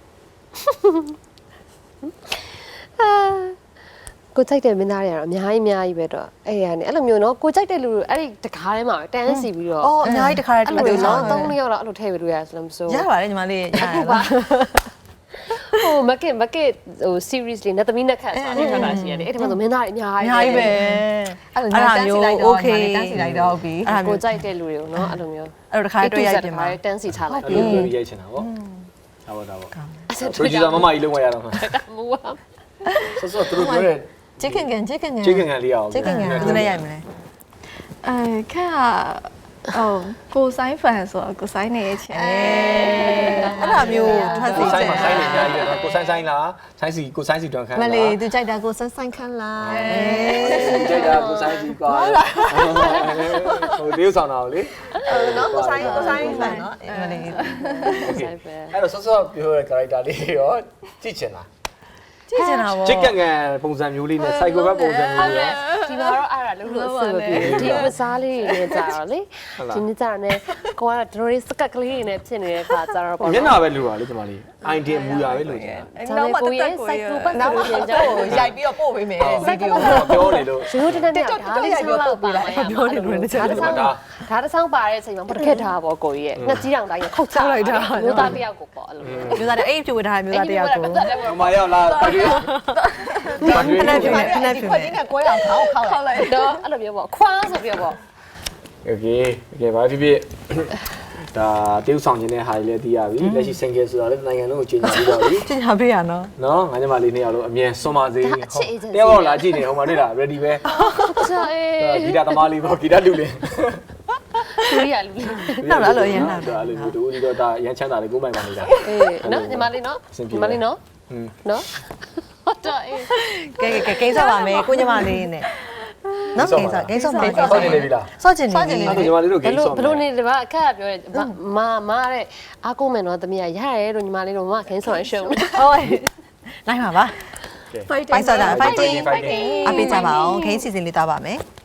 Speaker 3: ကိုကြိုက်တဲ့မင်းသားတွေကတော့အများကြီးပဲတော့အဲ့ရနေအဲ့လိုမျိုးနော်ကိုကြိုက်တဲ့လူအဲ့ဒီတကားထဲမှာတန်းစီပြီးတော့
Speaker 2: အော်အများကြီးတစ်ခါတည်း
Speaker 3: အဲ့လိုနော်3ယောက်လောက်အဲ့လိုထည့်ပြီးလို့ရတယ်ဆိုလို့မဆို
Speaker 2: ရပါတယ်ညီမလေးရရပါ
Speaker 3: ဟိုမကင်ဟို series လေးနဲ့သမီးနဲ့ခတ်ဆိုတာနေထွက်တာရှိရတယ်အဲ့ဒီမှာဆိုမင်းသားတွေအများ
Speaker 2: အများကြီးပဲ
Speaker 5: အဲ့လိုတန်းစီလိုက်တော့ okay တန်းစီလိုက်တော့ပြီ
Speaker 3: ကိုကြိုက်တဲ့လူတွေကိုနော်အဲ့လိုမျိုး
Speaker 2: အဲ့တော့တစ်ခါတည်းတွေ့ရိုက်ပြင်ပါ
Speaker 3: တန်းစီထားလိုက်
Speaker 1: အဲ့လိုရိုက်ချင်တာဗောဒါပေါ့ producer မမကြီးလုံးဝရတော့မှာ
Speaker 3: မူပါ
Speaker 1: ဆောသူတို့ပြောတဲ့
Speaker 5: chicken ကန်
Speaker 1: လေးအောင်
Speaker 2: ဘယ်သူနဲ့ရိုက်မလဲ
Speaker 4: ခက်ကိုဆိုင်ဖန်ဆိုတော့ကိုဆိုင်နေချင်
Speaker 2: အဲ့ဒါမျိုးထွက်စီ
Speaker 1: ဆိုင်
Speaker 2: ချင်
Speaker 1: မှာဆိုင်နေကြရတယ်ကိုဆိုင်လားဆိုင်စီကိုဆိုင်စီတွန်ခန်း
Speaker 5: မလေးသူကြိုက်တာကိုဆန်းဆန်းခန်းလား
Speaker 1: ကြိုက်တာကိုဆိုင်စီကွာဟိုလေးဆောင်တာလေ
Speaker 5: နော်ကိုဆိုင်ဖန်နော်မလေး
Speaker 1: အဲ့တော့ဆောပြောတဲ့ character လေးရောကြည့်ချင်လား
Speaker 2: ကြည့်ချင်တာဗော
Speaker 1: ချစ်ကန်ကန်ပုံစံမျိုးလေးနဲ့ psychopath ပုံစံမျိုးလေးရော
Speaker 3: ဒီမှာတော့အဲ့ဒါလုံးလုံးအဆင်မပြေဒီဝစားလေးတွေနဲ့ကြာတော့လေဒီနေ့ကြာနေကိုကတို့လေးစကက်ကလေးတွေနဲ့ဖြစ်နေတဲ့ခါကြာတော့ပေါ့
Speaker 1: မျက်နှာပဲလိုပါလေဒီမှာလေး idea မူရပဲလိုချင်တာ
Speaker 3: နောက်မှတက်ကိုရဲ့ psychopath
Speaker 5: နောက်မှ
Speaker 3: ဆို
Speaker 5: တော့
Speaker 3: ရင်ကြာ
Speaker 5: ရိုက်ပြီးတော့ပို့ပေးမယ်ဗီဒီယို
Speaker 1: ပြောနေလို့
Speaker 3: ရိုးတနေ့နဲ့ဒါလေးဆောင်းလောက်ပါလိုက်ပြောနေလို့ဒါတစ်ဆောင်ပါတဲ့အချိန်မှာမတခက်ထားပေါ့ကိုကြီးရဲ့ငှက်ကြီးတောင်တိုင်းခုတ်ချလိုက်တာမျိုးသားတယောက်ကိုပေါ့အဲ့လို
Speaker 2: မျိုးသားတဲ့အဲ့ဖြူဝထားတဲ့မျိုးသားတရားကို
Speaker 1: မမရောက်လာပါတွေ့ပါတွေ့
Speaker 2: ခဏဖြူနေခဏဖြူ
Speaker 5: ခွ
Speaker 2: နေ
Speaker 5: က်နဲ့ကွဲအောင်ခေါက်လိုက်
Speaker 3: တော့အဲ့လိုမျိုးပေါ့ခွားဆိုပြီးတော့ပေါ့
Speaker 1: โอเคဘာဖြစ်ဒါတရုပ်ဆောင်ခြင်းတဲ့ဟာတွေလည်းသိရပြီလက်ရှိ single ဆိုတာလည်းနိုင်ငံလုံးကိုကြီးညာပြီးတော့ပြီ
Speaker 2: ကျင်ညာပေးရနော်
Speaker 1: နော်ငါညီမလေးနှစ်ယောက်လုံးအမြင်စွန်ပါစေတယောက်လာကြည့်နေဟိုမှာနေတာ ready ပဲ
Speaker 3: ကြာအေး
Speaker 1: ဂီတသမားလေးပေါ့ဂီတလူလေး
Speaker 3: လူရလူ
Speaker 2: နောက်လာလို့ရမ်းလာ
Speaker 1: ဒါလေးမျိုးတူဒီတော့ဒါရမ်းချမ်းသာလေးကိုပိုင်ပါနေတာ
Speaker 3: အေးနော်ညီမလေးနော်ညီမလေးနော်နော်ဟုတ်တော့အေး
Speaker 2: ကဲကိန်းစားပါမယ်ကိုညီမလေးနဲ့နော်ကိန်းစားမှာ
Speaker 1: စောင့်နေပြီလား
Speaker 2: စောင့်ချင်နေပြီ
Speaker 1: အဲ့ဒါညီမလေးတို့ဂိမ်းဆော့
Speaker 3: ဘလို့နေတယ်ဗျအခက်ပြောတယ်မတဲ့အားကိုးမယ်နော်တမီးရရတယ်လို့ညီမလေးတို့မခင်းဆောင်ရရှုံး
Speaker 2: ဟုတ်နိုင်ပါပါ
Speaker 4: fighting
Speaker 2: ဖိုက်ဆော့တာ fighting အပေးကြပါအောင်ခင်းစီစဉ်လေးသွားပါမယ်